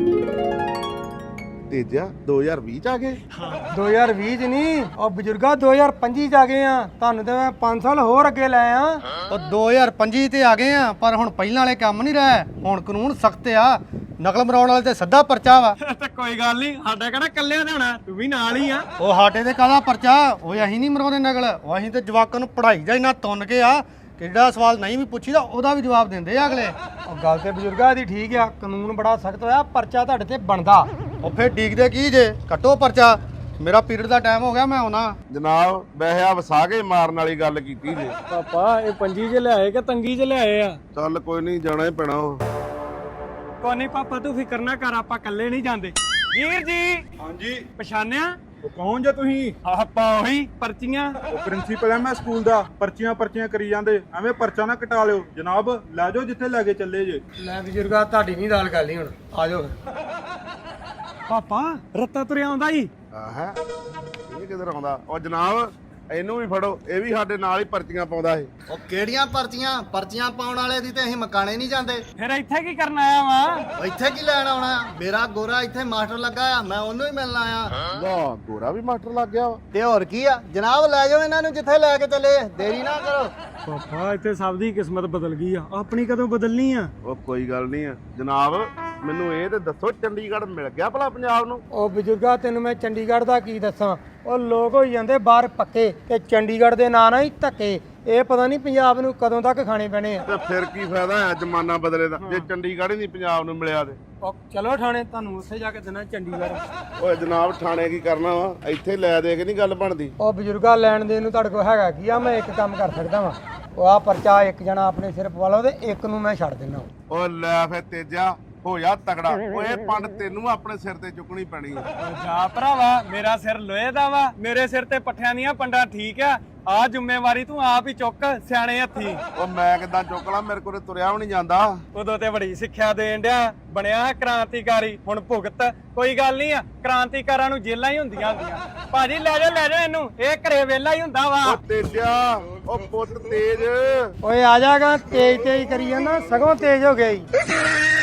ਤੇਜਾ ਦੋ ਹਜ਼ਾਰ ਵੀਹ ਚ ਆ ਗਏ? ਦੋ ਹਜ਼ਾਰ ਵੀਹ ਚ ਨਹੀਂ, ਉਹ ਬਜ਼ੁਰਗਾ ਦੋ ਹਜ਼ਾਰ ਪੱਚੀ ਚ ਆ ਗਏ ਆ। ਤੁਹਾਨੂੰ ਤੇ ਮੈਂ ਪੰਜ ਸਾਲ ਹੋਰ ਅੱਗੇ ਲੈ ਆ। ਉਹ ਦੋ ਹਜ਼ਾਰ ਪੱਚੀ ਤੇ ਆ ਗਏ ਆ, ਪਰ ਹੁਣ ਪਹਿਲਾਂ ਵਾਲੇ ਕੰਮ ਨਹੀਂ ਰਹੇ। ਹੁਣ ਕਾਨੂੰਨ ਸਖਤ ਆ, ਨਕਲ ਮਰਾਉਣ ਵਾਲੇ ਤੇ ਸਿੱਧਾ ਪਰਚਾ ਵਾ। ਤੇ ਕੋਈ ਗੱਲ ਨਹੀਂ, ਸਾਡਾ ਕਿਹੜਾ ਕੱਲਿਆਂ ਦਾ ਹੋਣਾ, ਤੂੰ ਵੀ ਨਾਲ ਹੀ ਆ। ਉਹ ਸਾਡੇ ਤੇ ਕਾਹਦਾ ਪਰਚਾ? ਉਹ ਅਸੀਂ ਨਹੀਂ ਮਰਾਉਂਦੇ ਨਕਲ, ਉਹ ਅਸੀਂ ਤੇ ਜਵਾਕਾਂ ਨੂੰ ਪੜ੍ਹਾਈ ਦਾ ਇੰਨਾ ਤੁੰਨ ਕੇ ਆ ਕਿ ਜਿਹੜਾ ਸਵਾਲ ਨਹੀਂ ਵੀ ਪੁੱਛੀਦਾ ਉਹਦਾ ਵੀ ਜਵਾਬ ਦਿੰਦੇ ਆ ਅਗਲੇ। ਉਹ ਗੱਲ ਤੇ ਬਜ਼ੁਰਗਾ ਦੀ ਠੀਕ ਆ, ਕਾਨੂੰਨ ਬੜਾ ਸਖਤ ਹੋਇਆ, ਪਰਚਾ ਤੁਹਾਡੇ ਤੇ ਬਣਦਾ। ਉਹ ਫੇਰ ਡੀਕਦੇ ਕੀ ਜੇ? ਕੱਟੋ ਪਰਚਾ, ਮੇਰਾ ਪੀਰੀਅਡ ਦਾ ਟਾਈਮ ਹੋ ਗਿਆ, ਮੈਂ ਆਉਣਾ। ਜਨਾਬ ਵੈਸੇ ਆ ਵਸਾ ਕੇ ਮਾਰਨ ਵਾਲੀ ਗੱਲ ਕੀਤੀ ਜੇ। ਪਾਪਾ ਇਹ ਪੰਜੀ ਚ ਲਿਆਏ ਕਿ ਤੰਗੀ ਚ ਲਿਆਏ ਆ? ਚੱਲ ਕੋਈ ਨਹੀਂ, ਜਾਣਾ ਹੀ ਪੈਣਾ। ਉਹ ਕੋਈ ਨਹੀਂ ਪਾਪਾ ਤੂੰ ਫਿਕਰ ਨਾ ਕਰ, ਆਪਾਂ ਇਕੱਲੇ ਨਹੀਂ ਜਾਂਦੇ। ਵੀਰ ਜੀ ਹਾਂਜੀ ਪਛਾਣਿਆ? ਉਹ ਕੌਣ ਜੇ ਤੁਸੀਂ? ਆਪਾਂ ਉਹੀ ਪਰਚੀਆਂ। ਉਹ ਪ੍ਰਿੰਸੀਪਲ ਐ ਮੈਂ ਸਕੂਲ ਦਾ। ਪਰਚੀਆਂ ਪਰਚੀਆਂ ਕਰੀ ਜਾਂਦੇ, ਐਵੇਂ ਪਰਚਾ ਨਾ ਕਟਾ ਲਿਓ। ਜਨਾਬ ਲੈ ਜਾਓ ਜਿੱਥੇ ਲੈ ਕੇ ਚੱਲੇ ਜੇ। ਲੈ ਬਜ਼ੁਰਗਾ ਤੁਹਾਡੀ ਨਹੀਂ ਦਾਲ ਗੱਲ ਨਹੀਂ, ਹੁਣ ਆ ਜਾਓ। ਪਾਪਾ ਰੱਤਾ ਤੁਰਿਆ ਆਉਂਦਾ ਹੀ। ਆਹ ਇਹ ਕਿਧਰ ਆਉਂਦਾ? ਉਹ ਜਨਾਬ ਇਹਨੂੰ ਵੀ ਫੜੋ, ਇਹ ਵੀ ਸਾਡੇ ਨਾਲ ਹੀ ਪਰਚੀਆਂ ਪਾਉਂਦਾ ਇਹ। ਉਹ ਕਿਹੜੀਆਂ ਪਰਚੀਆਂ? ਪਰਚੀਆਂ ਪਾਉਣ ਵਾਲੇ ਦੀ ਤੇ ਅਸੀਂ ਮਕਾਨੇ ਨਹੀਂ ਜਾਂਦੇ। ਫਿਰ ਇੱਥੇ ਕੀ ਕਰਨ ਆਇਆ ਵਾ? ਉਹ ਇੱਥੇ ਕੀ ਲੈਣ ਆਉਣਾ? ਮੇਰਾ ਗੋਰਾ ਇੱਥੇ ਮਾਸਟਰ ਲੱਗਾ ਆ, ਮੈਂ ਉਹਨੂੰ ਹੀ ਮਿਲਣ ਆਇਆ। ਵਾਹ ਗੋਰਾ ਵੀ ਮਾਸਟਰ ਲੱਗ ਗਿਆ ਵਾ। ਤੇ ਹੋਰ ਕੀ ਆ ਜਨਾਬ, ਲੈ ਜਾਓ ਇਹਨਾਂ ਨੂੰ ਜਿੱਥੇ ਲੈ ਕੇ ਚੱਲੇ, ਦੇਰੀ ਨਾ ਕਰੋ। ਪਾਪਾ ਇੱਥੇ ਸਭ ਦੀ ਕਿਸਮਤ ਬਦਲ ਗਈ ਆ, ਆਪਣੀ ਕਦੋਂ ਬਦਲਣੀ ਆ? ਉਹ ਕੋਈ ਗੱਲ ਨਹੀਂ ਆ ਜਨਾਬ, ਮੈਨੂੰ ਇਹ ਤੇ ਦੱਸੋ ਚੰਡੀਗੜ੍ਹ ਮਿਲ ਗਿਆ ਭਲਾ ਪੰਜਾਬ ਨੂੰ? ਉਹ ਬਜ਼ੁਰਗਾ ਤੈਨੂੰ ਮੈਂ ਚੰਡੀਗੜ੍ਹ ਦਾ ਕੀ ਦੱਸਾਂ। ਉਹ ਲੋਕ ਹੋਈ ਜਾਂਦੇ ਬਾਹਰ ਪੱਕੇ ਤੇ ਚੰਡੀਗੜ੍ਹ ਦੇ ਨਾਂ ਨਾਲ ਹੀ ਧੱਕੇ। ਇਹ ਪਤਾ ਨਹੀਂ ਪੰਜਾਬ ਨੂੰ ਕਦੋਂ ਤੱਕ ਖਾਣੇ ਪੈਣੇ ਆ। ਤੇ ਫਿਰ ਕੀ ਫਾਇਦਾ ਹੈ ਜ਼ਮਾਨਾ ਬਦਲੇ ਦਾ, ਜੇ ਚੰਡੀਗੜ੍ਹ ਹੀ ਨਹੀਂ ਪੰਜਾਬ ਨੂੰ ਮਿਲਿਆ ਤੇ। ਉਹ ਚਲੋ ਥਾਣੇ, ਤੁਹਾਨੂੰ ਉੱਥੇ ਜਾ ਕੇ ਦੇਣਾ ਚੰਡੀਗੜ੍ਹ। ਓਏ ਜਨਾਬ ਥਾਣੇ ਕੀ ਕਰਨਾ ਵਾ, ਇੱਥੇ ਲੈ ਦੇ ਕੇ ਨਹੀਂ ਗੱਲ ਬਣਦੀ। ਉਹ ਬਜ਼ੁਰਗਾ ਲੈਣ ਦੇਣ ਨੂੰ ਤੁਹਾਡੇ ਕੋਲ ਹੈਗਾ ਕੀ ਆ? ਮੈਂ ਇੱਕ ਕੰਮ ਕਰ ਸਕਦਾ ਵਾਂ, ਉਹ ਆ ਪਰਚਾ ਇੱਕ ਜਣਾ ਆਪਣੇ ਸਿਰ ਪਵਾ ਲਓ ਤੇ ਇੱਕ ਨੂੰ ਮੈਂ ਛੱਡ ਦਿੰਦਾ। ਓ ਲੈ ਫੇ ਤੇਜਾ ਹੋ ਜਾ ਤਗੜਾ। ਓਏ ਪੰਡ ਤੈਨੂੰ ਆਪਣੇ ਸਿਰ ਤੇ ਚੁੱਕਣੀ ਪੈਣੀ ਆ। ਜਾ ਭਰਾਵਾ, ਮੇਰਾ ਸਿਰ ਲੋਹੇ ਦਾ ਵਾ, ਮੇਰੇ ਸਿਰ ਤੇ ਪੱਠਿਆਂ ਦੀਆਂ ਪੰਡਾਂ ਠੀਕ ਆ। ਆ ਜ਼ਿੰਮੇਵਾਰੀ ਤੂੰ ਆਪ ਹੀ ਚੁੱਕ ਸਿਆਣੇ ਹੱਥੀ। ਉਹ ਮੈਂ ਕਿੱਦਾਂ ਚੁੱਕ ਲਾਂ, ਮੇਰੇ ਕੋਲ ਤੁਰਿਆ ਵੀ ਨਹੀਂ ਜਾਂਦਾ। ਉਦੋਂ ਤੇ ਬੜੀ ਸਿੱਖਿਆ ਦੇਣ ਡਿਆ, ਬਣਿਆ ਕ੍ਰਾਂਤੀਕਾਰੀ, ਹੁਣ ਭੁਗਤ। ਕੋਈ ਗੱਲ ਨਹੀਂ ਆ, ਕ੍ਰਾਂਤੀਕਾਰਾਂ ਨੂੰ ਜੇਲਾਂ ਹੀ ਹੁੰਦੀਆਂ ਹੁੰਦੀਆਂ। ਭਾਜੀ ਲੈ ਜਾ ਲੈ ਜਾ ਇਹਨੂੰ, ਇਹ ਘਰੇ ਵੇਲਾ ਹੀ ਹੁੰਦਾ ਵਾ। ਓ ਤੇਜਾ, ਓ ਪੁੱਤ ਤੇਜ। ਓਏ ਆ ਜਾਗਾ, ਤੇਜ਼ ਤੇਜ਼ ਕਰੀ ਜਾਂਦਾ, ਸਗੋਂ ਤੇਜ਼ ਹੋ ਗਿਆ ਈ।